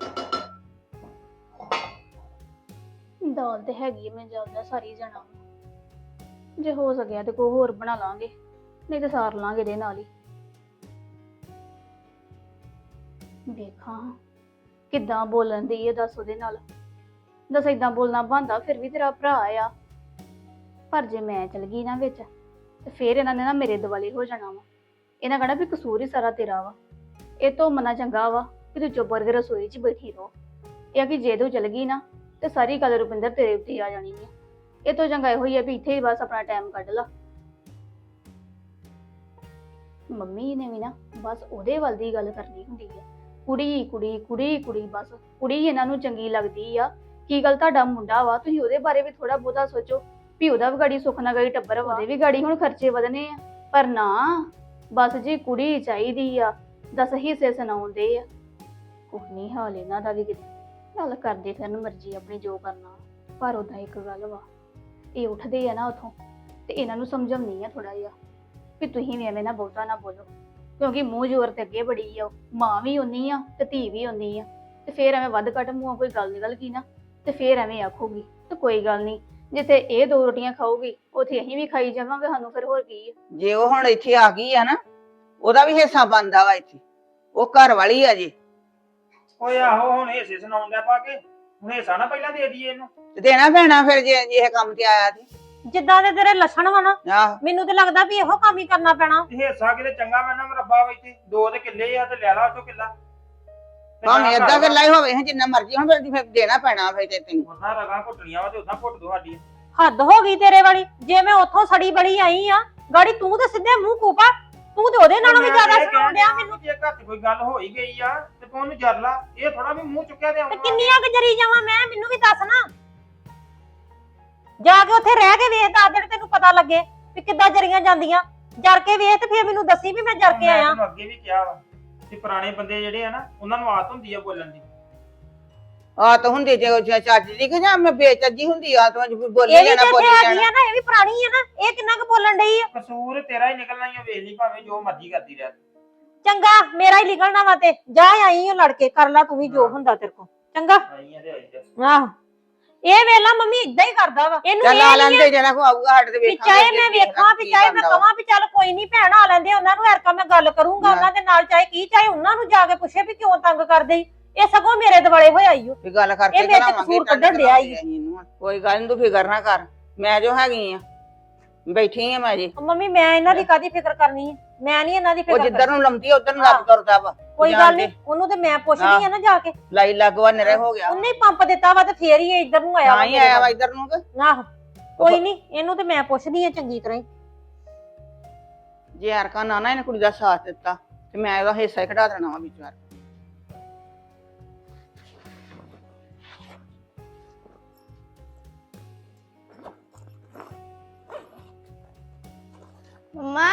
[SPEAKER 5] ਦਾਲ ਤੇ ਹੈਗੀ ਆ, ਮੈਂ ਜਾਂਦਾ ਸਾਰੀ ਜਣਾ ਜੇ ਹੋ ਸਕਿਆ ਤੇ ਕੋਈ ਹੋਰ ਬਣਾ ਲਾਂਗੇ, ਨਹੀਂ ਤੇ ਸਾਰ ਲਾਂਗੇ ਇਹਦੇ ਨਾਲ ਹੀ। ਵੇਖਾਂ ਕਿੱਦਾਂ ਬੋਲਣ ਦੀ ਹੈ, ਦੱਸ ਉਹਦੇ ਨਾਲ। ਦੱਸ ਏਦਾਂ ਬੋਲਣਾ ਬੰਦਾ, ਫਿਰ ਵੀ ਤੇਰਾ ਭਰਾ ਆ। ਪਰ ਜੇ ਮੈਂ ਚਲ ਗਈ ਨਾ ਵਿੱਚ ਤੇ ਫਿਰ ਇਹਨਾਂ ਨੇ ਨਾ ਮੇਰੇ ਦੁਆਲੇ ਹੋ ਜਾਣਾ ਵਾ। ਇਹਨਾਂ ਕਹਣਾ ਵੀ ਕਸੂਰ ਹੀ ਸਾਰਾ ਤੇਰਾ ਵਾ। ਇਹ ਤੋਂ ਮਨਾ ਚੰਗਾ ਵਾ ਕਿ ਤੂੰ ਚੁੱਪ ਕਰਕੇ ਰਸੋਈ 'ਚ ਬੈਠੀ ਰਹੋ। ਇਹ ਕਿ ਜੇ ਤੂੰ ਚਲ ਗਈ ਨਾ ਤੇ ਸਾਰੀ ਗੱਲ ਰੁਪਿੰਦਰ ਤੇਰੇ ਉੱਤੇ ਆ ਜਾਣੀ ਹੈ। ਇਹ ਤੋਂ ਚੰਗਾ ਇਹੋ ਹੀ ਆ ਵੀ ਇੱਥੇ ਹੀ ਬਸ ਆਪਣਾ ਟਾਈਮ ਕੱਢ ਲਾ। ਮੰਮੀ ਨੇ ਵੀ ਨਾ ਬਸ ਉਹਦੇ ਵੱਲ ਦੀ ਗੱਲ ਕਰਨੀ ਹੁੰਦੀ ਹੈ, ਕੁੜੀ ਕੁੜੀ ਕੁੜੀ ਕੁੜੀ, ਬਸ ਕੁੜੀ ਇਹਨਾਂ ਨੂੰ ਚੰਗੀ ਲੱਗਦੀ ਆ। ਕੀ ਗੱਲ ਤੁਹਾਡਾ ਮੁੰਡਾ ਵਾ, ਤੁਸੀਂ ਉਹਦੇ ਬਾਰੇ ਵੀ ਥੋੜਾ ਬਹੁਤਾ ਸੋਚੋ ਵੀ ਉਹਦਾ ਵੀ ਗਾੜੀ ਸੁੱਖ ਨਾ ਗਈ ਟੱਬਰ ਵਾ, ਉਹਦੇ ਵੀ ਗਾੜੀ ਹੁਣ ਖਰਚੇ ਵਧਨੇ ਆ। ਪਰ ਨਾ ਬਸ ਜੀ ਕੁੜੀ ਚਾਹੀਦੀ ਆ, ਦੱਸ ਹਿੱਸੇ ਸੁਣਾਉਂਦੇ ਆ। ਕੁਝ ਨਹੀਂ ਹਾਲ ਇਹਨਾਂ ਦਾ ਵੀ, ਕਿਤੇ ਗੱਲ ਕਰਦੇ ਫਿਰਨ ਮਰਜ਼ੀ ਆਪਣੀ ਜੋ ਕਰਨਾ। ਪਰ ਉਦਾਂ ਇੱਕ ਗੱਲ ਵਾ, ਇਹ ਉੱਠਦੇ ਆ ਨਾ ਉਥੋਂ ਤੇ ਇਹਨਾਂ ਨੂੰ ਸਮਝਾਉਣੀ ਆ ਥੋੜਾ ਜਿਹਾ ਵੀ ਤੁਸੀਂ ਵੀ ਐਵੇਂ ਨਾ ਬਹੁਤਾ ਨਾ ਬੋਲੋ, ਕਿਉਂਕਿ ਮੂੰਹ ਜ਼ੋਰ ਤੇ ਅੱਗੇ ਬੜੀ ਆ। ਮਾਂ ਵੀ ਉਨੀ ਆ ਤੇ ਧੀ ਵੀ ਉਨੀ ਆ, ਤੇ ਫੇਰ ਐਵੇਂ ਵੱਧ ਘੱਟ ਮੂੰਹੋਂ ਕੋਈ ਗੱਲ ਨਿਕਲ ਗਈ ਨਾ ਤੇ ਫੇਰ ਐਵੇਂ ਆਖੂਗੀ। ਤੇ ਕੋਈ ਗੱਲ ਨਹੀਂ, ਜਿੱਥੇ ਇਹ 2 ਰੋਟੀਆਂ ਖਾਊਗੀ ਉੱਥੇ ਅਸੀਂ ਵੀ ਖਾਈ ਜਾਵਾਂਗੇ, ਸਾਨੂੰ ਫਿਰ ਹੋਰ ਕੀ ਆ।
[SPEAKER 3] ਜੇ ਉਹ ਹੁਣ ਇੱਥੇ ਆ ਗਈ ਆ ਨਾ, ਉਹਦਾ ਵੀ ਹਿੱਸਾ ਬਣਦਾ ਵਾ ਇੱਥੇ। ਉਹ ਘਰ ਵਾਲੀ ਆ ਜੀ,
[SPEAKER 4] ਓਏ ਆਹੋ ਹੁਣ ਹਿੱਸੇ ਸੁਣਾਉਣ ਦਾ ਪਾ ਕੇ, ਹੁਣ ਹਿੱਸਾ ਨਾ ਪਹਿਲਾਂ ਦੇ ਦਈਏ ਇਹਨੂੰ।
[SPEAKER 3] ਤੇ ਦੇਣਾ ਪੈਣਾ ਫਿਰ ਜੇ ਇਹ ਕੰਮ ਤੇ ਆਇਆ ਤੇ।
[SPEAKER 6] ਜਿੱਦਾਂ ਦੇ ਤੇਰੇ ਲੱਛਣ ਵਾ ਨਾ,
[SPEAKER 3] ਆਹ
[SPEAKER 6] ਮੈਨੂੰ ਤੇ ਲੱਗਦਾ ਵੀ ਇਹੋ ਕੰਮ ਹੀ ਕਰਨਾ ਪੈਣਾ।
[SPEAKER 4] ਤੇ ਹਿੱਸਾ ਕਿਤੇ ਚੰਗਾ ਮੈਨਾਂ ਮਰੱਬਾ ਵਾ ਇੱਥੇ, 2 ਤੇ ਕਿੱਲੇ ਆ ਤੇ ਲੈ ਲਾ ਉੱਥੋਂ ਕਿੱਲਾ। ਤੇ
[SPEAKER 3] ਭਾਵੇਂ
[SPEAKER 4] ਨਾ
[SPEAKER 3] ਏਦਾਂ
[SPEAKER 4] ਘਰ
[SPEAKER 3] ਗੱਲਾਂ ਹੀ ਹੋਵੇ ਜਿੰਨਾ ਮਰਜ਼ੀ ਹੁਣ ਫਿਰ ਦੇਣਾ ਪੈਣਾ ਫਿਰ ਤੇ ਤੈਨੂੰ।
[SPEAKER 4] ਉਹਨਾਂ ਰਗਾਂ ਘੁੱਟਣੀਆਂ ਵਾ ਤੇ ਉਦਾਂ ਘੁੱਟ ਦੋ ਸਾਡੀ।
[SPEAKER 6] ਹੱਦ ਹੋ ਗਈ ਤੇਰੇ ਵਾਲੀ। ਜੇ ਮੈਂ ਉੱਥੋਂ ਸੜੀ ਬੜੀ ਆਈ ਆ, ਗਾੜੀ ਤੂੰ ਤੇ ਸਿੱਧੇ ਮੂੰਹ ਕੂਪਾ, ਤੂੰ ਤੇ ਉਹਦੇ ਨਾਲੋਂ ਵੀ ਜ਼ਿਆਦਾ ਸੁਣਾਉਣ ਡਿਆ ਮੈਨੂੰ।
[SPEAKER 4] ਜੇ ਘਰ 'ਚ ਕੋਈ ਗੱਲ ਹੋ ਹੀ ਗਈ ਆ ਤੇ ਤੂੰ ਉਹਨੂੰ ਜਰ ਲਾ, ਇਹ ਥੋੜਾ ਵੀ ਮੂੰਹ ਚੁੱਕਿਆ ਤੇ
[SPEAKER 6] ਤੇ
[SPEAKER 4] ਆਉਣਾ।
[SPEAKER 6] ਕਿੰਨੀਆਂ ਕੁ ਜਰੀ ਜਾਵਾਂ ਮੈਂ, ਮੈਨੂੰ ਵੀ ਦੱਸ ਨਾ। ਜਾ ਕੇ ਉੱਥੇ ਰਹਿ ਕੇ ਵੇਖ, ਦੱਸ ਦਿਨ ਤੈਨੂੰ ਪਤਾ ਲੱਗੇ ਵੀ ਕਿੱਦਾਂ ਜਰੀਆਂ ਜਾਂਦੀਆਂ। ਜਰ ਕੇ ਵੇਖ ਤੇ ਫਿਰ ਮੈਨੂੰ ਦੱਸੀ ਵੀ ਮੈਂ ਜਰ ਕੇ
[SPEAKER 4] ਮੈਂ
[SPEAKER 6] ਆਇਆ।
[SPEAKER 4] ਤੈਨੂੰ ਅੱਗੇ ਵੀ ਕਿਹਾ ਵਾ ਕਿ ਪੁਰਾਣੇ ਬੰਦੇ ਜਿਹੜੇ ਆ ਨਾ, ਉਹਨਾਂ ਨੂੰ ਆਦਤ ਹੁੰਦੀ ਆ ਬੋਲਣ ਦੀ।
[SPEAKER 3] ਆਤ ਹੁੰਦੀ ਤੇ ਉਹ ਚੱਜ ਦੀ ਕਿ ਜਾਂ ਮੈਂ ਬੇਚੱਜੀ ਹੁੰਦੀ ਆਤ ਵਿੱਚ ਬੋਲੀ
[SPEAKER 6] ਇਹ ਵੀ
[SPEAKER 3] ਜਾਣਾ
[SPEAKER 6] ਤੇ
[SPEAKER 3] ਬੋਲੀ
[SPEAKER 6] ਇੱਥੇ
[SPEAKER 3] ਜਾਣਾ
[SPEAKER 6] ਹੈਗੀ ਆ ਨਾ, ਇਹ ਵੀ ਪੁਰਾਣੀ ਆ ਨਾ, ਇਹ ਕਿੰਨਾ ਕੁ ਬੋਲਣ ਡਈ ਆ।
[SPEAKER 4] ਕਸੂਰ ਤੇਰਾ ਹੀ ਨਿਕਲਣਾ ਹੀ ਆ, ਵੇਖ ਲਈ ਭਾਵੇਂ ਜੋ ਮਰਜ਼ੀ ਕਰਦੀ ਰਹਿ।
[SPEAKER 6] ਚੰਗਾ ਮੇਰਾ ਹੀ ਨਿਕਲਣਾ ਵਾ ਤੇ ਜਾ ਆਈ ਓ ਲੜ ਕੇ, ਕਰ ਲਾ ਤੂੰ ਵੀ ਜੋ ਹੁੰਦਾ ਤੇਰੇ ਕੋ। ਚੰਗਾ
[SPEAKER 4] ਆਈਆਂ ਤੇ ਆਈ ਜਾ।
[SPEAKER 6] ਆਹੋ ਇਹ ਵੇਲਾ ਮੰਮੀ ਇਦਾਂ ਹੀ ਕਰਦਾ ਵਾ, ਇਹਨੂੰ
[SPEAKER 3] ਚੱਲ
[SPEAKER 6] ਇਹ
[SPEAKER 3] ਆ
[SPEAKER 6] ਨੀ ਆ
[SPEAKER 3] ਲੈਂਦੇ ਜਿਹੜਾ ਕੋ ਆਊਗਾ ਸਾਡੇ ਤੇ
[SPEAKER 6] ਵੀ
[SPEAKER 3] ਵੇਖਾਂਗੇ
[SPEAKER 6] ਚਾਹੇ ਮੈਂ ਵੇਖਾਂ ਵੀ ਚਾਹੇ ਮੈਂ ਕਵਾਂ ਵੀ ਚੱਲ ਕੋਈ ਨਹੀਂ ਭੈਣ ਆ ਲੈਂਦੇ ਉਹਨਾਂ ਨੂੰ, ਹਰਕਾ ਮੈਂ ਗੱਲ ਕਰੂੰਗਾ ਉਹਨਾਂ ਦੇ ਨਾਲ, ਚਾਹੇ ਕੀ ਚਾਹੇ ਉਹਨਾਂ ਨੂੰ ਜਾ ਕੇ ਪੁੱਛੇ ਵੀ ਕਿਉਂ ਤੰਗ ਕਰਦੇ ਈ। ਇਹ ਸਗੋਂ ਮੇਰੇ ਦੁਆਲੇ ਹੋਇਆ ਈ ਓ।
[SPEAKER 3] ਵੀ ਗੱਲ ਕਰਕੇ
[SPEAKER 6] ਇਹ ਮੇਰੇ ਤੇ
[SPEAKER 3] ਕਰਾਵਾਂਗੇ,
[SPEAKER 6] ਕਸੂਰ ਕੱਢਣ ਡਿਆ ਈ।
[SPEAKER 3] ਕੋਈ ਗੱਲ ਨੀ, ਤੂੰ ਫਿਕਰ ਨਾ ਕਰ, ਮੈਂ ਜੋ ਹੈਗੀ ਆ ਬੈਠੀ ਆ ਮੈਂ ਜੀ।
[SPEAKER 6] ਮੰਮੀ ਮੈਂ ਇਹਨਾਂ ਦੀ ਕਾਦੀ ਫਿਕਰ ਕਰਨੀ ਹੈ, ਮੈਂ ਨਹੀਂ ਇਹਨਾਂ ਦੀ
[SPEAKER 3] ਉਹ
[SPEAKER 6] ਫਿਕਰ
[SPEAKER 3] ਜਿੱਧਰ
[SPEAKER 6] ਕਰਨੀ।
[SPEAKER 3] ਨੂੰ ਲੰਮਦੀ ਆ ਉਧਰ ਨੂੰ ਲੱਗ ਤੁਰਦਾ ਵਾ।
[SPEAKER 6] ਕੋਈ
[SPEAKER 3] ਜਾਣ
[SPEAKER 6] ਗੱਲ
[SPEAKER 3] ਦੇ।
[SPEAKER 6] ਨਹੀਂ, ਉਹਨੂੰ ਤੇ ਮੈਂ ਪੁੱਛਦੀ ਆ ਨਾ ਜਾ ਕੇ।
[SPEAKER 3] ਲਾਈ ਲੱਗਵਾ ਨਰੇ ਹੋ ਗਿਆ,
[SPEAKER 6] ਉਹਨੇ ਹੀ ਪੰਪ ਦਿੱਤਾ ਵਾ ਤੇ ਫੇਰ ਹੀ ਇਹ ਇੱਧਰ ਨੂੰ ਆਇਆ
[SPEAKER 3] ਤਾਂ ਹੀ ਆਇਆ ਵਾ ਇੱਧਰ ਨੂੰ ਕਿ
[SPEAKER 6] ਆਹੋ ਕੋਈ ਨਹੀਂ, ਇਹਨੂੰ ਤੇ ਮੈਂ ਪੁੱਛਦੀ ਆ ਚੰਗੀ ਤਰ੍ਹਾਂ ਹੀ।
[SPEAKER 3] ਜੇ ਹਰਕਾ ਨਾ ਇਹਨੇ ਕੁੜੀ ਦਾ ਸਾਥ ਦਿੱਤਾ ਤੇ ਮੈਂ ਇਹਦਾ ਹਿੱਸਾ ਹੀ ਕਢਾ ਦੇਣਾ ਵਾ ਵਿੱਚੋਂ।
[SPEAKER 5] ਮੰਮਾ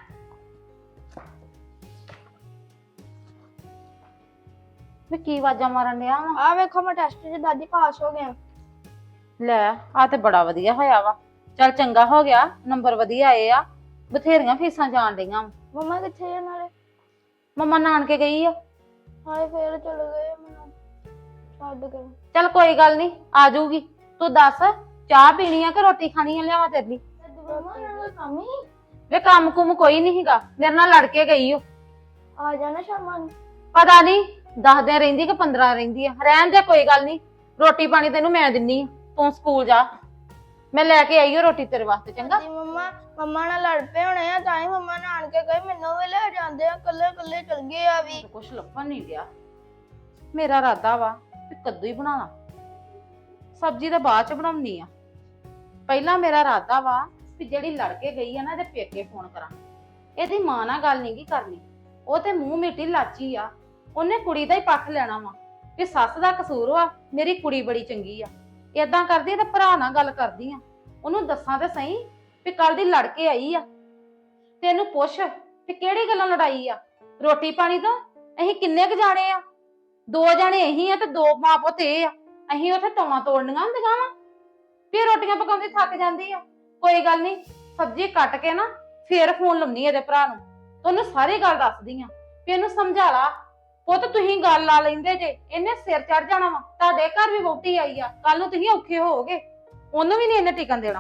[SPEAKER 2] ਵੀ ਕੀ ਆਵਾਜ਼ਾਂ ਮਾਰਨ ਡਿਆ ਵਾ?
[SPEAKER 5] ਆ ਵੇਖੋ ਮੈਂ ਟੈਸਟ 'ਚ ਦਾਦੀ ਪਾਸ ਹੋ ਗਿਆ।
[SPEAKER 2] ਲੈ ਆ ਤੇ ਬੜਾ ਵਧੀਆ ਹੋਇਆ ਵਾ, ਚੱਲ ਚੰਗਾ ਹੋ ਗਿਆ, ਨੰਬਰ ਵਧੀਆ ਆਏ ਆ, ਬਥੇਰੀਆਂ ਫੀਸਾਂ ਜਾਣ ਡਈਆਂ ਵਾਂ।
[SPEAKER 5] ਮੰਮਾ ਕਿੱਥੇ ਆ ਨਾਲੇ?
[SPEAKER 2] ਮੰਮਾ ਨਾਨਕੇ ਗਈ ਆ।
[SPEAKER 5] ਹਾਏ ਫੇਰ ਚਲ ਗਏ ਮੈਨੂੰ ਛੱਡ ਕੇ।
[SPEAKER 2] ਚੱਲ ਕੋਈ ਗੱਲ ਨਹੀਂ, ਆ ਜਾਊਗੀ। ਤੂੰ ਦੱਸ ਚਾਹ ਪੀਣੀ ਆ ਕਿ ਰੋਟੀ ਖਾਣੀ ਆ, ਲਿਆਵਾਂ ਤੇਰੇ ਲਈ?
[SPEAKER 5] ਮੰਮਾ ਨਾਲ ਕੰਮ ਹੀ
[SPEAKER 2] ਵੇ ਕੰਮ ਕੁਮ ਕੋਈ ਨਹੀਂ ਹੈਗਾ, ਮੇਰੇ ਨਾਲ ਲੜ ਕੇ ਗਈ ਓ।
[SPEAKER 5] ਆ ਜਾਣਾ ਸ਼ਾਮਾਂ ਨੂੰ।
[SPEAKER 2] ਪਤਾ ਨਹੀਂ 10 ਦਿਨ ਰਹਿੰਦੀ ਕਿ 15 ਰਹਿੰਦੀ ਆ, ਰਹਿਣ ਦੇ ਕੋਈ ਗੱਲ ਨਹੀਂ, ਰੋਟੀ ਪਾਣੀ ਤੈਨੂੰ ਮੈਂ ਦਿੰਨੀ ਆ, ਤੂੰ ਸਕੂਲ ਜਾ, ਮੈਂ ਲੈ ਕੇ ਆਈ ਓ ਰੋਟੀ ਤੇਰੇ ਵਾਸਤੇ। ਚੰਗਾ
[SPEAKER 5] ਦਾਦੀ ਮੰਮਾ ਨਾਲ ਲੜ ਪਏ ਹੋਣੇ ਆ, ਤਾਂ ਹੀ ਮੰਮਾ ਨਾਨ ਕੇ ਗਏ, ਮੈਨੂੰ ਵੀ ਲੈ ਜਾਂਦੇ ਆ, ਕੱਲੇ ਕੱਲੇ ਚਲ ਗਏ ਆ ਵੀ।
[SPEAKER 2] ਕੁਛ ਲੱਭਣ ਨਹੀਂ ਗਿਆ। ਮੇਰਾ ਇਰਾਦਾ ਵਾ ਕਿ ਕੱਦੂ ਹੀ ਬਣਾਣਾ, ਸਬਜ਼ੀ ਤਾਂ ਬਾਅਦ ਚ ਬਣਾਉਣੀ ਆ। ਪਹਿਲਾਂ ਮੇਰਾ ਇਰਾਦਾ ਵਾ ਵੀ ਜਿਹੜੀ ਲੜ ਕੇ ਗਈ ਆ ਨਾ, ਇਹਦੇ ਪੇਕੇ ਫੋਨ ਕਰਾਂ। ਇਹਦੀ ਮਾਂ ਨਾਲ ਗੱਲ ਨਹੀਂ ਕੀ ਕਰਨੀ, ਉਹ ਤੇ ਮੂੰਹ ਮਿੱਟੀ ਲਾਚੀ ਆ, ਉਹਨੇ ਕੁੜੀ ਦਾ ਹੀ ਪੱਖ ਲੈਣਾ ਵਾ ਵੀ ਸੱਸ ਦਾ ਕਸੂਰ ਵਾ, ਮੇਰੀ ਕੁੜੀ ਬੜੀ ਚੰਗੀ ਆ। ਏਦਾਂ ਕਰਦੀ ਆ ਤੇ ਭਰਾ ਨਾਲ ਗੱਲ ਕਰਦੀ ਆ, ਉਹਨੂੰ ਦੱਸਾਂ ਤੇ ਸਹੀ ਵੀ ਕੱਲ ਦੀ ਲੜ ਕੇ ਆਈ ਆ, ਤੇ ਇਹਨੂੰ ਪੁੱਛ ਵੀ ਕਿਹੜੀ ਗੱਲਾਂ ਲੜਾਈ ਆ। ਰੋਟੀ ਪਾਣੀ ਤੋਂ ਅਸੀਂ ਕਿੰਨੇ ਕੁ ਜਾਣੇ ਆ? 2 ਜਾਣੇ ਅਸੀਂ ਆ ਤੇ 2 ਮਾਂ ਪੁੱਤ ਇਹ ਆ। ਅਸੀਂ ਉੱਥੇ ਤੌਣਾ ਤੋੜਨੀਆਂ ਹੁੰਦੀਆਂ ਵਾ, ਫਿਰ ਰੋਟੀਆਂ ਪਕਾਉਂਦੀ ਥੱਕ ਜਾਂਦੀ ਆ। ਕੋਈ ਗੱਲ ਨਹੀਂ, ਸਬਜ਼ੀ ਕੱਟ ਕੇ ਨਾ ਫੇਰ ਫੋਨ ਲਾਉਣੀ ਇਹਦੇ ਭਰਾ ਨੂੰ, ਤੇ ਉਹਨੂੰ ਸਾਰੀ ਗੱਲ ਦੱਸਦੀ ਆ ਵੀ ਇਹਨੂੰ ਸਮਝਾ ਲਾ। ਪੁੱਤ ਤੁਸੀਂ ਗੱਲ ਲਾ ਲੈਂਦੇ ਜੇ, ਇਹਨੇ ਸਿਰ ਚੜ ਜਾਣਾ ਵਾ। ਤੁਹਾਡੇ ਘਰ ਵੀ ਵਹੁਟੀ ਆਈ ਆ, ਕੱਲ ਨੂੰ ਤੁਸੀਂ ਔਖੇ ਹੋਵੋਗੇ, ਉਹਨੂੰ ਵੀ ਨਹੀਂ ਇਹਨੇ ਟਿਕਣ ਦੇਣਾ।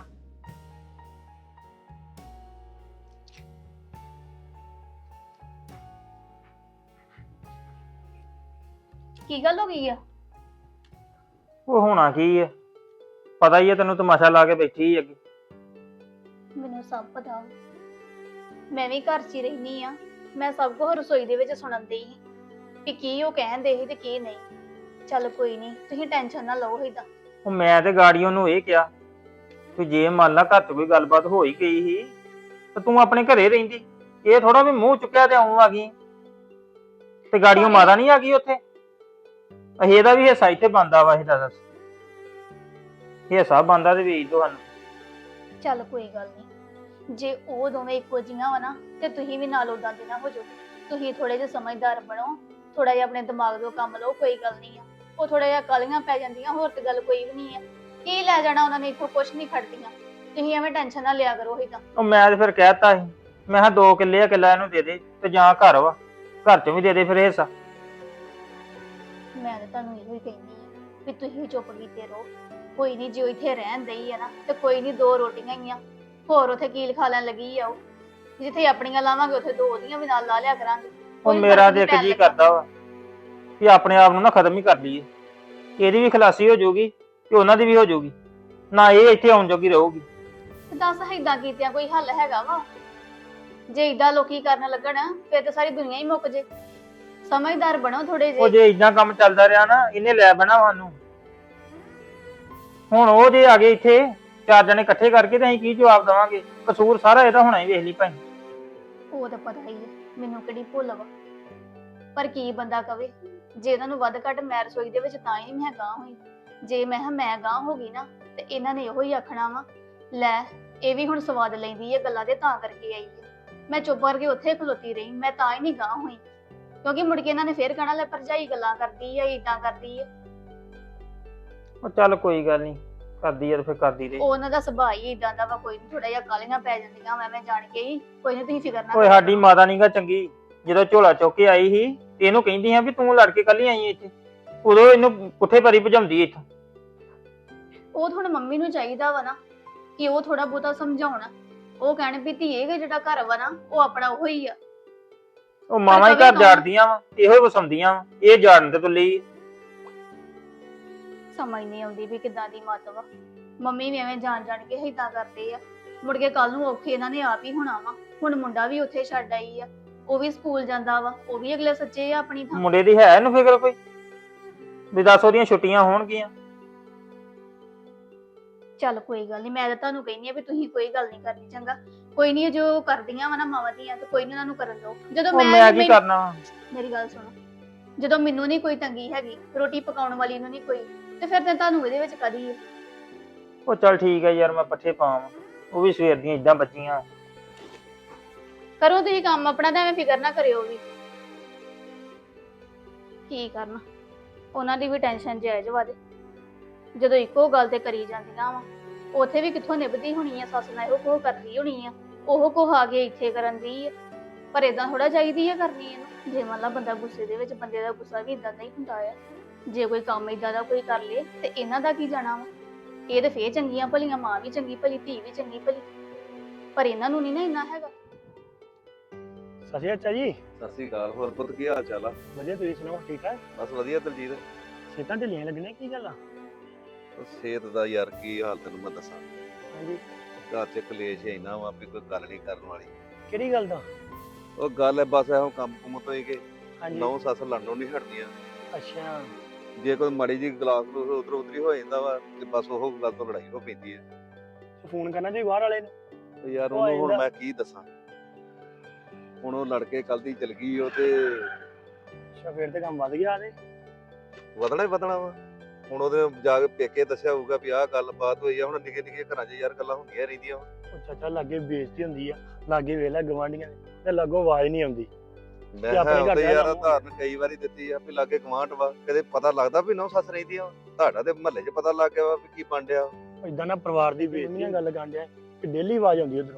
[SPEAKER 5] ਕੀ ਗੱਲ ਹੋ ਗਈ ਆ?
[SPEAKER 4] ਉਹ ਹੋਣਾ ਕੀ ਆ, ਪਤਾ ਹੀ ਆ ਤੈਨੂੰ, ਤਮਾਸ਼ਾ ਲਾ ਕੇ ਬੈਠੀ ਹੀ ਅੱਗੇ।
[SPEAKER 5] ਮੈਨੂੰ ਸਭ ਪਤਾ, ਮੈਂ ਵੀ ਘਰ 'ਚ ਹੀ ਰਹਿਨੀ ਆ, ਮੈਂ ਸਭ ਕੁਝ ਰਸੋਈ ਦੇ ਵਿੱਚ ਸੁਣਨ ਡਈ ਸੀ ਵੀ ਕੀ ਉਹ ਕਹਿੰਦੇ ਸੀ ਤੇ ਕੀ ਨਹੀਂ। ਚੱਲ ਕੋਈ ਨਹੀਂ, ਤੁਸੀਂ ਟੈਨਸ਼ਨ ਨਾ ਲਓ ਏਦਾਂ।
[SPEAKER 4] ਉਹ ਮੈਂ ਤੇ ਗਾੜੀਆਂ ਨੂੰ ਇਹ ਕਿਹਾ ਕਿ ਜੇ ਮੰਨ ਲਾ ਘਰ 'ਚ ਕੋਈ ਗੱਲਬਾਤ ਹੋ ਹੀ ਗਈ ਸੀ ਤੇ ਤੂੰ ਆਪਣੇ ਘਰੇ ਰਹਿੰਦੀ, ਇਹ ਥੋੜਾ ਵੀ ਮੂੰਹ ਚੁੱਕਿਆ ਤੇ ਆਉਂ ਆ ਗਈ ਤੇ ਗਾੜੀਆਂ ਮਾਤਾ ਨਹੀਂ ਆ ਗਈ ਉੱਥੇ। ਅਸੀਂ ਇਹਦਾ ਵੀ ਹਿੱਸਾ ਇੱਥੇ ਬਣਦਾ ਵਾ, ਇਹਦਾ ਦੱਸ ਹਿੱਸਾ ਬਣਦਾ ਤੇ ਵੇਚ ਦੋ ਸਾਨੂੰ।
[SPEAKER 5] ਚੱਲ ਕੋਈ ਗੱਲ ਨਹੀਂ, ਜੇ ਉਹ ਦੋਵੇਂ ਇੱਕੋ ਜਿਹੀਆਂ ਵਾ ਨਾ ਤੇ ਤੁਸੀਂ ਵੀ ਨਾਲ ਉਦਾਂ ਦੇ ਨਾ ਹੋ ਜਾਓ। ਤੁਸੀਂ ਥੋੜੇ ਜਿਹਾ ਸਮਝਦਾਰ ਬਣੋ, ਥੋੜਾ ਜਿਹਾ ਆਪਣੇ ਦਿਮਾਗ ਤੋਂ ਕੰਮ ਲਓ, ਕੋਈ ਗੱਲ ਨਹੀਂ ਆ। ਉਹ ਥੋੜਾ ਜਿਹਾ ਕਾਲੀਆਂ ਪੈ ਜਾਂਦੀਆਂ, ਹੋਰ ਤੇ ਗੱਲ ਕੋਈ ਵੀ ਨਹੀਂ ਆ। ਕੀ ਲੈ ਜਾਣਾ ਉਹਨਾਂ ਨੇ, ਇੱਥੋਂ ਕੁਛ ਨਹੀਂ ਖੜਦੀਆਂ। ਤੁਸੀਂ ਐਵੇਂ ਟੈਨਸ਼ਨ ਨਾ ਲਿਆ ਕਰੋ ਏਦਾਂ।
[SPEAKER 4] ਉਹ ਮੈਂ ਤੇ ਫਿਰ ਕਹਿਤਾ ਸੀ, ਮੈਂ ਕਿਹਾ 2 ਕਿੱਲੇ ਆ, ਕਿੱਲਾ ਇਹਨੂੰ ਦੇ ਦੇ ਤੇ ਜਾਂ ਘਰ ਵਾ, ਘਰ ਚੋਂ ਵੀ ਦੇ ਦੇ ਫਿਰ ਹਿੱਸਾ।
[SPEAKER 5] ਮੈਂ ਤਾਂ ਤੁਹਾਨੂੰ ਇਹੋ ਹੀ ਕਹਿੰਦੀ ਆ ਵੀ ਤੁਸੀਂ ਚੁੱਪ ਕੀਤੇ ਰਹੋ। ਕੋਈ ਨਹੀਂ, ਜੇ ਉਹ ਇੱਥੇ ਰਹਿਣ ਦਈ ਆ ਨਾ ਤੇ ਕੋਈ ਨਹੀਂ, 2 ਰੋਟੀਆਂ ਹੀ ਆ, ਹੋਰ ਉੱਥੇ ਕੀਲ ਖਾ ਲੈਣ ਲੱਗੀ ਆ। ਉਹ ਜਿੱਥੇ ਆਪਣੀਆਂ ਲਾਵਾਂਗੇ ਉੱਥੇ 2 ਉਹਦੀਆਂ ਵੀ ਨਾਲ ਲਾ ਲਿਆ ਕਰਾਂਗੇ।
[SPEAKER 4] ਉਹ ਮੇਰਾ ਤੇ ਇੱਕ ਜੀ ਕਰਦਾ ਵਾ ਕਿ ਆਪਣੇ ਆਪ ਨੂੰ ਨਾ ਖਤਮ ਹੀ ਕਰ ਲਈਏ, ਇਹਦੀ ਵੀ ਖਲਾਸੀ ਹੋ ਜਾਊਗੀ ਤੇ ਉਹਨਾਂ ਦੀ ਵੀ ਹੋ ਜਾਊਗੀ, ਨਾ ਇਹ ਇੱਥੇ ਆਉਣ ਜੋਗੀ ਰਹੂਗੀ।
[SPEAKER 5] ਤੇ ਦੱਸ ਏਦਾਂ ਕੀਤਿਆਂ ਕੋਈ ਹੱਲ ਹੈਗਾ ਵਾ? ਜੇ ਏਦਾਂ ਲੋਕੀ ਕਰਨ ਲੱਗਣ ਫਿਰ ਤਾਂ ਸਾਰੀ ਦੁਨੀਆ ਹੀ ਮੁੱਕ ਜੇ। ਸਮਝਦਾਰ ਬਣੋ ਥੋੜੇ
[SPEAKER 4] ਉਹ
[SPEAKER 5] ਜਿਹੇ।
[SPEAKER 4] ਜੇ ਇਦਾਂ ਕੰਮ ਚੱਲਦਾ ਰਿਹਾ ਨਾ, ਇਹਨੇ ਲੈ ਬਣਾ ਸਾਨੂੰ। ਹੁਣ ਉਹ ਜੇ ਆ ਗਏ ਇੱਥੇ 4 ਜਣੇ ਇਕੱਠੇ ਕਰਕੇ ਤੇ ਅਸੀਂ ਕੀ ਜਵਾਬ ਦੇਵਾਂਗੇ? ਕਸੂਰ ਸਾਰਾ ਇਹਦਾ ਹੋਣਾ ਹੀ, ਵੇਖ ਲਈ ਭਾਈ।
[SPEAKER 5] ਉਹ ਤਾਂ ਪਤਾ ਹੀ ਹੈ ਮੈਨੂੰ, ਕਿਹੜੀ ਭੁੱਲ ਵਾ। ਪਰ ਕੀ ਬੰਦਾ ਕਵੇ, ਜੇ ਇਹਨਾਂ ਨੂੰ ਵੱਧ ਘੱਟ ਮੈਂ ਰਸੋਈ ਦੇ ਵਿੱਚ ਤਾਂ ਹੀ ਨਹੀਂ ਮੈਂ ਗਾਂ ਹੋਈ। ਜੇ ਮੈਂ ਗਾਂ ਹੋ ਗਈ ਨਾ ਤੇ ਇਹਨਾਂ ਨੇ ਇਹੋ ਹੀ ਆਖਣਾ ਵਾ, ਲੈ ਇਹ ਵੀ ਹੁਣ ਸਵਾਦ ਲੈਂਦੀ ਹੈ ਗੱਲਾਂ ਦੇ, ਤਾਂ ਕਰਕੇ ਆਈ ਹੈ। ਮੈਂ ਚੁੱਪ ਕਰਕੇ ਉੱਥੇ ਖਲੋਤੀ ਰਹੀ, ਮੈਂ ਤਾਂ ਹੀ ਨਹੀਂ ਗਾਂ ਹੋਈ, ਕਿਉਂਕਿ ਮੁੜ ਕੇ ਇਹਨਾਂ ਨੇ ਫੇਰ ਕਹਿਣਾ ਲੈ ਭਰਜਾਈ ਗੱਲਾਂ ਕਰਦੀ ਹੈ, ਏਦਾਂ ਕਰਦੀ ਹੈ।
[SPEAKER 4] ਉਹ ਚੱਲ ਕੋਈ ਗੱਲ ਨਹੀਂ, ਕਰਦੀ ਆ ਤੇ ਫਿਰ ਕਰਦੀ ਰਹੇ।
[SPEAKER 7] ਉਹਨਾਂ ਦਾ ਸੁਭਾਅ ਹੀ ਇਦਾਂ ਦਾ ਵਾ, ਕੋਈ ਨਹੀਂ, ਥੋੜਾ ਜਿਹਾ ਕਾਲੀਆਂ ਪੈ ਜਾਂਦੀਆਂ ਮੈਂ ਜਾਣ ਕੇ ਹੀ, ਕੋਈ ਨਹੀਂ ਤੁਸੀਂ ਫਿਕਰ ਨਾ
[SPEAKER 4] ਓਏ ਸਾਡੀ ਮਾਤਾ ਨੀਗਾ ਚੰਗੀ, ਜਦੋਂ ਝੋਲਾ ਚੁੱਕ ਕੇ ਆਈ ਸੀ ਤੇ ਇਹਨੂੰ ਕਹਿੰਦੀ ਆ ਵੀ ਤੂੰ ਲੜ ਕੇ ਕੱਲੀ ਆਈ ਇੱਥੇ, ਉਦੋਂ ਇਹਨੂੰ ਪੁੱਠੇ ਪਰੀ ਭਜਾਉਂਦੀ ਇੱਥੋਂ।
[SPEAKER 7] ਉਹ ਹੁਣ ਮੰਮੀ ਨੂੰ ਚਾਹੀਦਾ ਵਾ ਨਾ ਕਿ ਉਹ ਥੋੜਾ ਬਹੁਤਾ ਸਮਝਾਉਣ, ਉਹ ਕਹਿਣ ਵੀ ਧੀਏ ਕਿ ਜਿਹੜਾ ਘਰ ਵਾ ਨਾ ਉਹ ਆਪਣਾ ਉਹ ਹੀ ਆ।
[SPEAKER 4] ਉਹ ਮਾਵਾਂ ਹੀ ਘਰ ਜਾੜਦੀਆਂ ਵਾ, ਇਹੋ ਹੀ ਵਸਾਉਂਦੀਆਂ ਵਾ, ਇਹ ਜਾੜਨ ਤੇ ਤੁੱਲੀ।
[SPEAKER 7] ਸਮਝ ਨਹੀਂ ਆਉਂਦੀ ਵੀ ਕਿੱਦਾਂ ਦੀ ਮੱਤ ਵਾ, ਮੰਮੀ ਵੀ ਐਵੇਂ ਜਾਣ ਜਾਣ ਕੇ ਏਦਾਂ ਕਰਦੇ ਆ, ਮੁੜ ਕੇ ਕੱਲ ਨੂੰ ਔਖੇ ਇਹਨਾਂ ਨੇ ਆਪ ਹੀ ਹੋਣਾ ਵਾ। ਹੁਣ ਮੁੰਡਾ ਵੀ ਉੱਥੇ ਛੱਡ ਆਈ ਆ, ਉਹ ਵੀ ਸਕੂਲ ਜਾਂਦਾ ਵਾ, ਉਹ ਵੀ ਅਗਲੇ ਸੱਚੇ ਆ ਆਪਣੀ ਥਾਂ।
[SPEAKER 4] ਮੁੰਡੇ ਦੀ ਹੈ ਇਹਨੂੰ ਫਿਕਰ ਕੋਈ ਵੀ ਦੱਸ ਉਹਦੀਆਂ ਛੁੱਟੀਆਂ ਹੋਣਗੀਆਂ?
[SPEAKER 7] ਚੱਲ ਕੋਈ ਗੱਲ ਨਹੀਂ, ਮੈਂ ਤਾਂ ਤੁਹਾਨੂੰ ਕਹਿੰਦੀ ਆ ਵੀ ਤੁਸੀਂ ਕੋਈ ਗੱਲ ਨਹੀਂ ਕਰਨੀ, ਚੰਗਾ ਕੋਈ ਨਹੀਂ, ਜੋ ਕਰਦੀਆਂ ਵਾ ਨਾ ਮਾਵਾਂ ਦੀਆਂ ਤੇ ਕੋਈ ਨਹੀਂ ਉਹਨਾਂ ਨੂੰ ਕਰਨ ਦਿਓ। ਜਦੋਂ
[SPEAKER 4] ਉਹ ਮੈਂ ਕੀ ਕਰਨਾ ਵਾ?
[SPEAKER 7] ਮੇਰੀ ਗੱਲ ਸੁਣੋ, ਜਦੋਂ ਮੈਨੂੰ ਨਹੀਂ ਕੋਈ ਤੰਗੀ ਹੈਗੀ, ਰੋਟੀ ਪਕਾਉਣ ਵਾਲੀ ਨੂੰ ਨਹੀਂ ਕੋਈ, ਤੇ ਫਿਰ ਤਾਂ ਤੁਹਾਨੂੰ ਇਹਦੇ ਵਿੱਚ ਕਦੀ ਹੈ।
[SPEAKER 4] ਉਹ ਚੱਲ ਠੀਕ ਹੈ ਯਾਰ, ਮੈਂ ਪੱਠੇ ਪਾਵਾਂ, ਉਹ ਵੀ ਸਵੇਰ ਦੀਆਂ ਇਦਾਂ ਬੱਚੀਆਂ।
[SPEAKER 7] ਕਰੋ ਤੁਸੀਂ ਕੰਮ ਆਪਣਾ, ਤਾਂ ਐਵੇਂ ਫਿਕਰ ਨਾ ਕਰਿਓ ਵੀ ਕੀ ਕਰਨਾ, ਉਹਨਾਂ ਦੀ ਵੀ ਟੈਨਸ਼ਨ ਜਾਇਜ਼ ਵਾ ਦੇ, ਜਦੋਂ ਇੱਕੋ ਗੱਲ ਤੇ ਕਰੀ ਜਾਂਦੀਆਂ ਵਾ, ਉੱਥੇ ਵੀ ਕਿੱਥੋਂ ਨਿਭਦੀ ਹੋਣੀ ਆ, ਸੱਸ ਨਾਲ ਇਹੋ ਕੋਹ ਕਰਦੀ ਹੋਣੀ ਆ, ਉਹ ਕੋਹ ਆ ਕੇ ਇੱਥੇ ਕਰਨ ਦੀ ਆ। ਪਰ ਏਦਾਂ ਥੋੜਾ ਚਾਹੀਦੀ ਆ ਕਰਨੀ ਇਹਨੂੰ, ਜੇ ਮੰਨ ਲਾ ਬੰਦਾ ਗੁੱਸੇ ਦੇ ਵਿੱਚ, ਬੰਦੇ ਦਾ ਗੁੱਸਾ ਵੀ ਇਦਾਂ ਦਾ ਹੀ ਹੁੰਦਾ ਆ, ਜੇ ਕੋਈ ਕੰਮ ਇਦਾਂ ਦਾ ਕੋਈ ਕਰ ਲੇ ਤੇ ਇਹਨਾਂ ਦਾ ਕੀ ਜਾਣਾ ਵਾ। ਇਹ ਤੇ ਫੇਰ ਚੰਗੀਆਂ ਭਲੀਆਂ, ਮਾਂ ਵੀ ਚੰਗੀ ਭਲੀ, ਧੀ ਵੀ ਚੰਗੀ ਭਲੀ, ਪਰ ਇਹਨਾਂ ਨੂੰ ਨਹੀਂ ਨਾ ਇੰਨਾ ਹੈਗਾ।
[SPEAKER 8] ਸਤਿ ਸ਼੍ਰੀ ਅਕਾਲ ਜੀ।
[SPEAKER 1] ਸਤਿ ਸ੍ਰੀ ਅਕਾਲ। ਹੋਰ ਪੁੱਤ ਕੀ ਹਾਲ ਚਾਲ ਆ?
[SPEAKER 8] ਵਧੀਆ, ਤੁਸੀਂ ਸੁਣਾਓ? ਠੀਕ ਠਾਕ?
[SPEAKER 1] ਬਸ ਵਧੀਆ ਦਲਜੀਤ।
[SPEAKER 8] ਸਿਹਤਾਂ ਢਿੱਲੀਆਂ ਲੱਗਣੇ, ਕੀ ਗੱਲ ਆ?
[SPEAKER 1] ਉਹ ਸਿਹਤ ਦਾ ਯਾਰ ਕੀ ਹਾਲ ਤੈਨੂੰ ਮੈਂ ਦੱਸਾਂ,
[SPEAKER 8] ਹਾਂਜੀ,
[SPEAKER 1] ਘਰ 'ਚ ਕਲੇਸ਼ ਇੰਨਾ ਵਾ ਵੀ ਕੋਈ ਗੱਲ ਨਹੀਂ ਕਰਨ ਵਾਲੀ।
[SPEAKER 8] ਕਿਹੜੀ ਗੱਲ ਦਾ?
[SPEAKER 1] ਉਹ ਗੱਲ ਹੈ ਬਸ ਇਹੋ ਕੰਮ ਕੁਮ ਤੋਂ ਹੀ ਕਿ
[SPEAKER 8] ਹਾਂਜੀ,
[SPEAKER 1] ਨੌ ਸੱਸ ਲੜਨੋਂ ਨਹੀਂ ਹਟਦੀਆਂ।
[SPEAKER 8] ਅੱਛਾ,
[SPEAKER 1] ਜੇ ਕੋਈ ਮਾੜੀ ਜੀ ਗਲਾਸ ਉਧਰ ਉਧਰੀ ਹੋ ਜਾਂਦਾ ਵਾ ਤੇ ਬਸ ਉਹ ਗੱਲ ਤੋਂ ਲੜਾਈ ਹੋ ਪੈਂਦੀ ਹੈ।
[SPEAKER 8] ਫੋਨ ਕਰਨਾ ਜੀ ਬਾਹਰ ਵਾਲੇ ਨੂੰ।
[SPEAKER 1] ਤੇ ਯਾਰ
[SPEAKER 8] ਉਹ
[SPEAKER 1] ਉਹਨੂੰ ਹੁਣ
[SPEAKER 8] ਆਇੰਦਾ।
[SPEAKER 1] ਮੈਂ ਕੀ ਦੱਸਾਂ, ਹੁਣ ਉਹ ਲੜ ਕੇ ਕੱਲ ਦੀ ਚਲ ਗਈ ਉਹ ਤੇ
[SPEAKER 8] ਅੱਛਾ, ਫੇਰ ਤੇ ਕੰਮ ਵੱਧ ਗਿਆ ਤੇ।
[SPEAKER 1] ਵਧਣਾ ਹੀ ਵਧਣਾ ਵਾ। ਹੁਣ ਉਹਦੇ ਜਾ ਕੇ ਪੇਕੇ ਦੱਸਿਆ ਹੋਊਗਾ ਵੀ ਆਹ ਗੱਲ ਬਾਤ ਹੋਈ ਆ। ਹੁਣ ਨਿੱਕੇ ਨਿੱਕੇ ਘਰਾਂ 'ਚ ਯਾਰ ਗੱਲਾਂ ਹੁੰਦੀਆਂ ਰਹਿੰਦੀਆਂ ਵਾ।
[SPEAKER 8] ਉਹ ਚਾਚਾ ਲਾਗੇ ਬੇਇੱਜ਼ਤੀ ਹੁੰਦੀ ਆ, ਲਾਗੇ ਵੇਲਾ ਗਵਾਂਢੀਆਂ ਤੇ ਲਾਗੋਂ ਆਵਾਜ਼ ਨਹੀਂ ਆਉਂਦੀ।
[SPEAKER 1] ਮੈਂ
[SPEAKER 8] ਤੇ ਆਪਣੇ
[SPEAKER 1] ਕਿਹਾ
[SPEAKER 8] ਘਰ
[SPEAKER 1] ਉਹਦੇ
[SPEAKER 8] ਦਾ
[SPEAKER 1] ਯਾਰ
[SPEAKER 8] ਕੰਮ
[SPEAKER 1] ਧਾਰਨ ਕਈ ਵਾਰੀ ਦਿੱਤੀ ਆ ਵੀ ਲਾਗੇ ਗਵਾਂਢ ਵਾ, ਕਦੇ ਪਤਾ ਲੱਗਦਾ ਵੀ ਨੌ ਸੱਸ ਰਹਿੰਦੀਆਂ ਵਾ। ਤੁਹਾਡਾ ਤੇ ਮਹੱਲੇ 'ਚ ਪਤਾ ਲੱਗ ਗਿਆ ਵਾ ਵੀ ਕੀ ਬਣ ਡਿਆ।
[SPEAKER 8] ਇਦਾਂ ਨਾ ਪਰਿਵਾਰ ਦੀ ਬੇਇੱਜ਼ਤੀ ਦੀਆਂ ਗੱਲ ਕਾਂਡਿਆ ਕਿ ਡੇਲੀ ਆਵਾਜ਼ ਆਉਂਦੀ ਉਧਰੋਂ।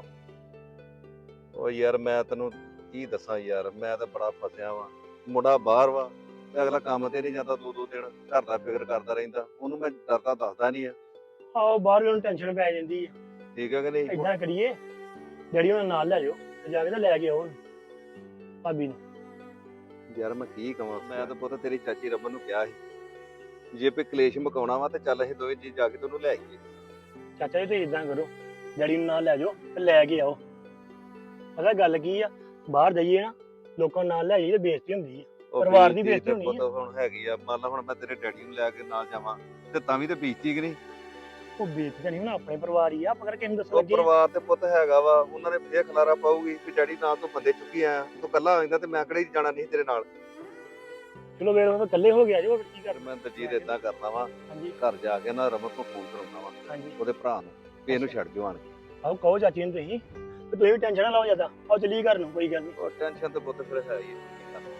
[SPEAKER 1] ਉਹ ਯਾਰ ਮੈਂ ਤੈਨੂੰ ਕੀ ਦੱਸਾਂ ਯਾਰ, ਮੈਂ ਤਾਂ ਬੜਾ ਫਸਿਆ ਵਾਂ। ਮੁੰਡਾ ਬਾਹਰ ਵਾ ਤੇ ਅਗਲਾ ਕੰਮ ਤੇ ਨਹੀਂ ਜਾਂਦਾ, ਦੋ ਦਿਨ ਘਰ ਦਾ ਫਿਕਰ ਕਰਦਾ ਰਹਿੰਦਾ। ਉਹਨੂੰ ਮੈਂ ਡਰਦਾ ਦੱਸਦਾ ਨਹੀਂ ਆ।
[SPEAKER 8] ਆਓ ਬਾਹਰ ਵੀ ਉਹਨੂੰ ਟੈਨਸ਼ਨ ਪੈ ਜਾਂਦੀ ਆ।
[SPEAKER 1] ਠੀਕ ਹੈ ਕਿ ਨਹੀਂ?
[SPEAKER 8] ਇਦਾਂ ਕਰੀਏ, ਡੈਡੀ ਉਹਨਾਂ ਨਾਲ ਲੈ ਜਾਓ ਤੇ ਜਾ ਕੇ ਤਾਂ ਲੈ ਕੇ ਆਓ ਉਹਨੂੰ, ਭਾਬੀ ਨੂੰ।
[SPEAKER 1] ਯਾਰ ਮੈਂ ਕੀ ਕਵਾਂ, ਮੈਂ ਤਾਂ ਪੁੱਤ ਤੇਰੀ ਚਾਚੀ ਰਮਨ ਨੂੰ ਕਿਹਾ ਸੀ ਜੇ ਕੋਈ ਕਲੇਸ਼ ਮੁਕਾਉਣਾ ਵਾ ਤੇ ਚੱਲ ਅਸੀਂ ਦੋਵੇਂ ਜੀ ਜਾ ਕੇ ਤੈਨੂੰ ਲੈ ਆਈਏ।
[SPEAKER 8] ਚਾਚਾ ਜੀ ਤੁਸੀਂ ਇਦਾਂ ਕਰੋ, ਡੈਡੀ ਨੂੰ ਨਾਲ ਲੈ ਜਾਓ ਤੇ ਲੈ ਕੇ ਆਓ। ਪਤਾ ਗੱਲ ਕੀ ਆ, ਬਾਹਰ ਜਾਈਏ ਨਾ ਲੋਕਾਂ ਨੂੰ ਨਾਲ ਲੈ ਜਾਈਏ ਤੇ ਬੇਇੱਜ਼ਤੀ ਹੁੰਦੀ ਆ।
[SPEAKER 1] ਉਹ
[SPEAKER 8] ਪਰਿਵਾਰ ਦੀ
[SPEAKER 1] ਬੇਇੱਜ਼ਤੀ
[SPEAKER 8] ਬੇਇੱਜ਼ਤੀ ਹੋਣੀ
[SPEAKER 1] ਪੁੱਤ ਹੁਣ ਹੈਗੀ ਆ। ਮੰਨ ਲਾ ਹੁਣ ਮੈਂ ਤੇਰੇ ਡੈਡੀ ਨੂੰ ਲੈ ਕੇ ਨਾਲ ਜਾਵਾਂ ਤੇ ਤਾਂ ਵੀ ਤੇ ਬੇਇੱਜ਼ਤੀ ਕਿ ਨਹੀਂ?
[SPEAKER 8] ਉਹ ਬੇਇੱਜ਼ਤੀ ਤਾਂ ਨਹੀਂ, ਹੁਣ ਆਪਣੇ ਪਰਿਵਾਰ ਹੀ ਆ, ਆਪਾਂ ਕਿਹਨੂੰ ਦੱਸਣ
[SPEAKER 1] ਉਹ
[SPEAKER 8] ਲੱਗੇ ਆ?
[SPEAKER 1] ਪਰਿਵਾਰ ਤੇ ਪੁੱਤ ਹੈਗਾ ਵਾ, ਉਹਨਾਂ ਨੇ ਫੇਰ ਖਲਾਰਾ ਪਾਊਗੀ ਵੀ ਡੈਡੀ ਨਾਲ ਤੂੰ ਬੰਦੇ ਚੁੱਕੀ ਆਇਆ, ਤੂੰ ਕੱਲਾ ਆਇਂਦਾ ਤੇ ਮੈਂ ਕਿਹੜੇ ਜਾਣਾ ਨਹੀਂ ਤੇਰੇ ਨਾਲ।
[SPEAKER 8] ਚਲੋ ਵੇਰ ਉਹ ਤਾਂ ਇਕੱਲੇ ਹੋ ਗਿਆ ਜੀ, ਉਹ ਕੀ ਕਰ।
[SPEAKER 1] ਮੈਂ ਦਲਜੀਤ ਏਦਾਂ ਕਰਨਾ ਵਾ,
[SPEAKER 8] ਹਾਂਜੀ
[SPEAKER 1] ਘਰ ਜਾ ਕੇ ਨਾ ਰਮਨ ਤੋਂ ਫੋਨ ਕਰਾਉਣਾ ਵਾ
[SPEAKER 8] ਹਾਂਜੀ,
[SPEAKER 1] ਉਹਦੇ ਭਰਾ ਨੂੰ ਵੀ ਇਹਨੂੰ ਛੱਡ ਦਿਓ ਆਣ ਕੇ।
[SPEAKER 8] ਆਓ ਕਹੋ ਚਾਚੀ ਨੂੰ ਤੁਸੀਂ, ਤੇ ਤੁਸੀਂ ਵੀ ਟੈਨਸ਼ਨ ਨਾ ਲਓ ਜ਼ਿਆਦਾ। ਆਓ ਚੱਲੀਏ ਘਰ ਨੂੰ, ਕੋਈ ਗੱਲ ਨਹੀਂ।
[SPEAKER 1] ਉਹ ਟੈਨਸ਼ਨ ਤੇ ਪੁੱਤ ਫਿਰ ਹੈ ਹੀ ਆ।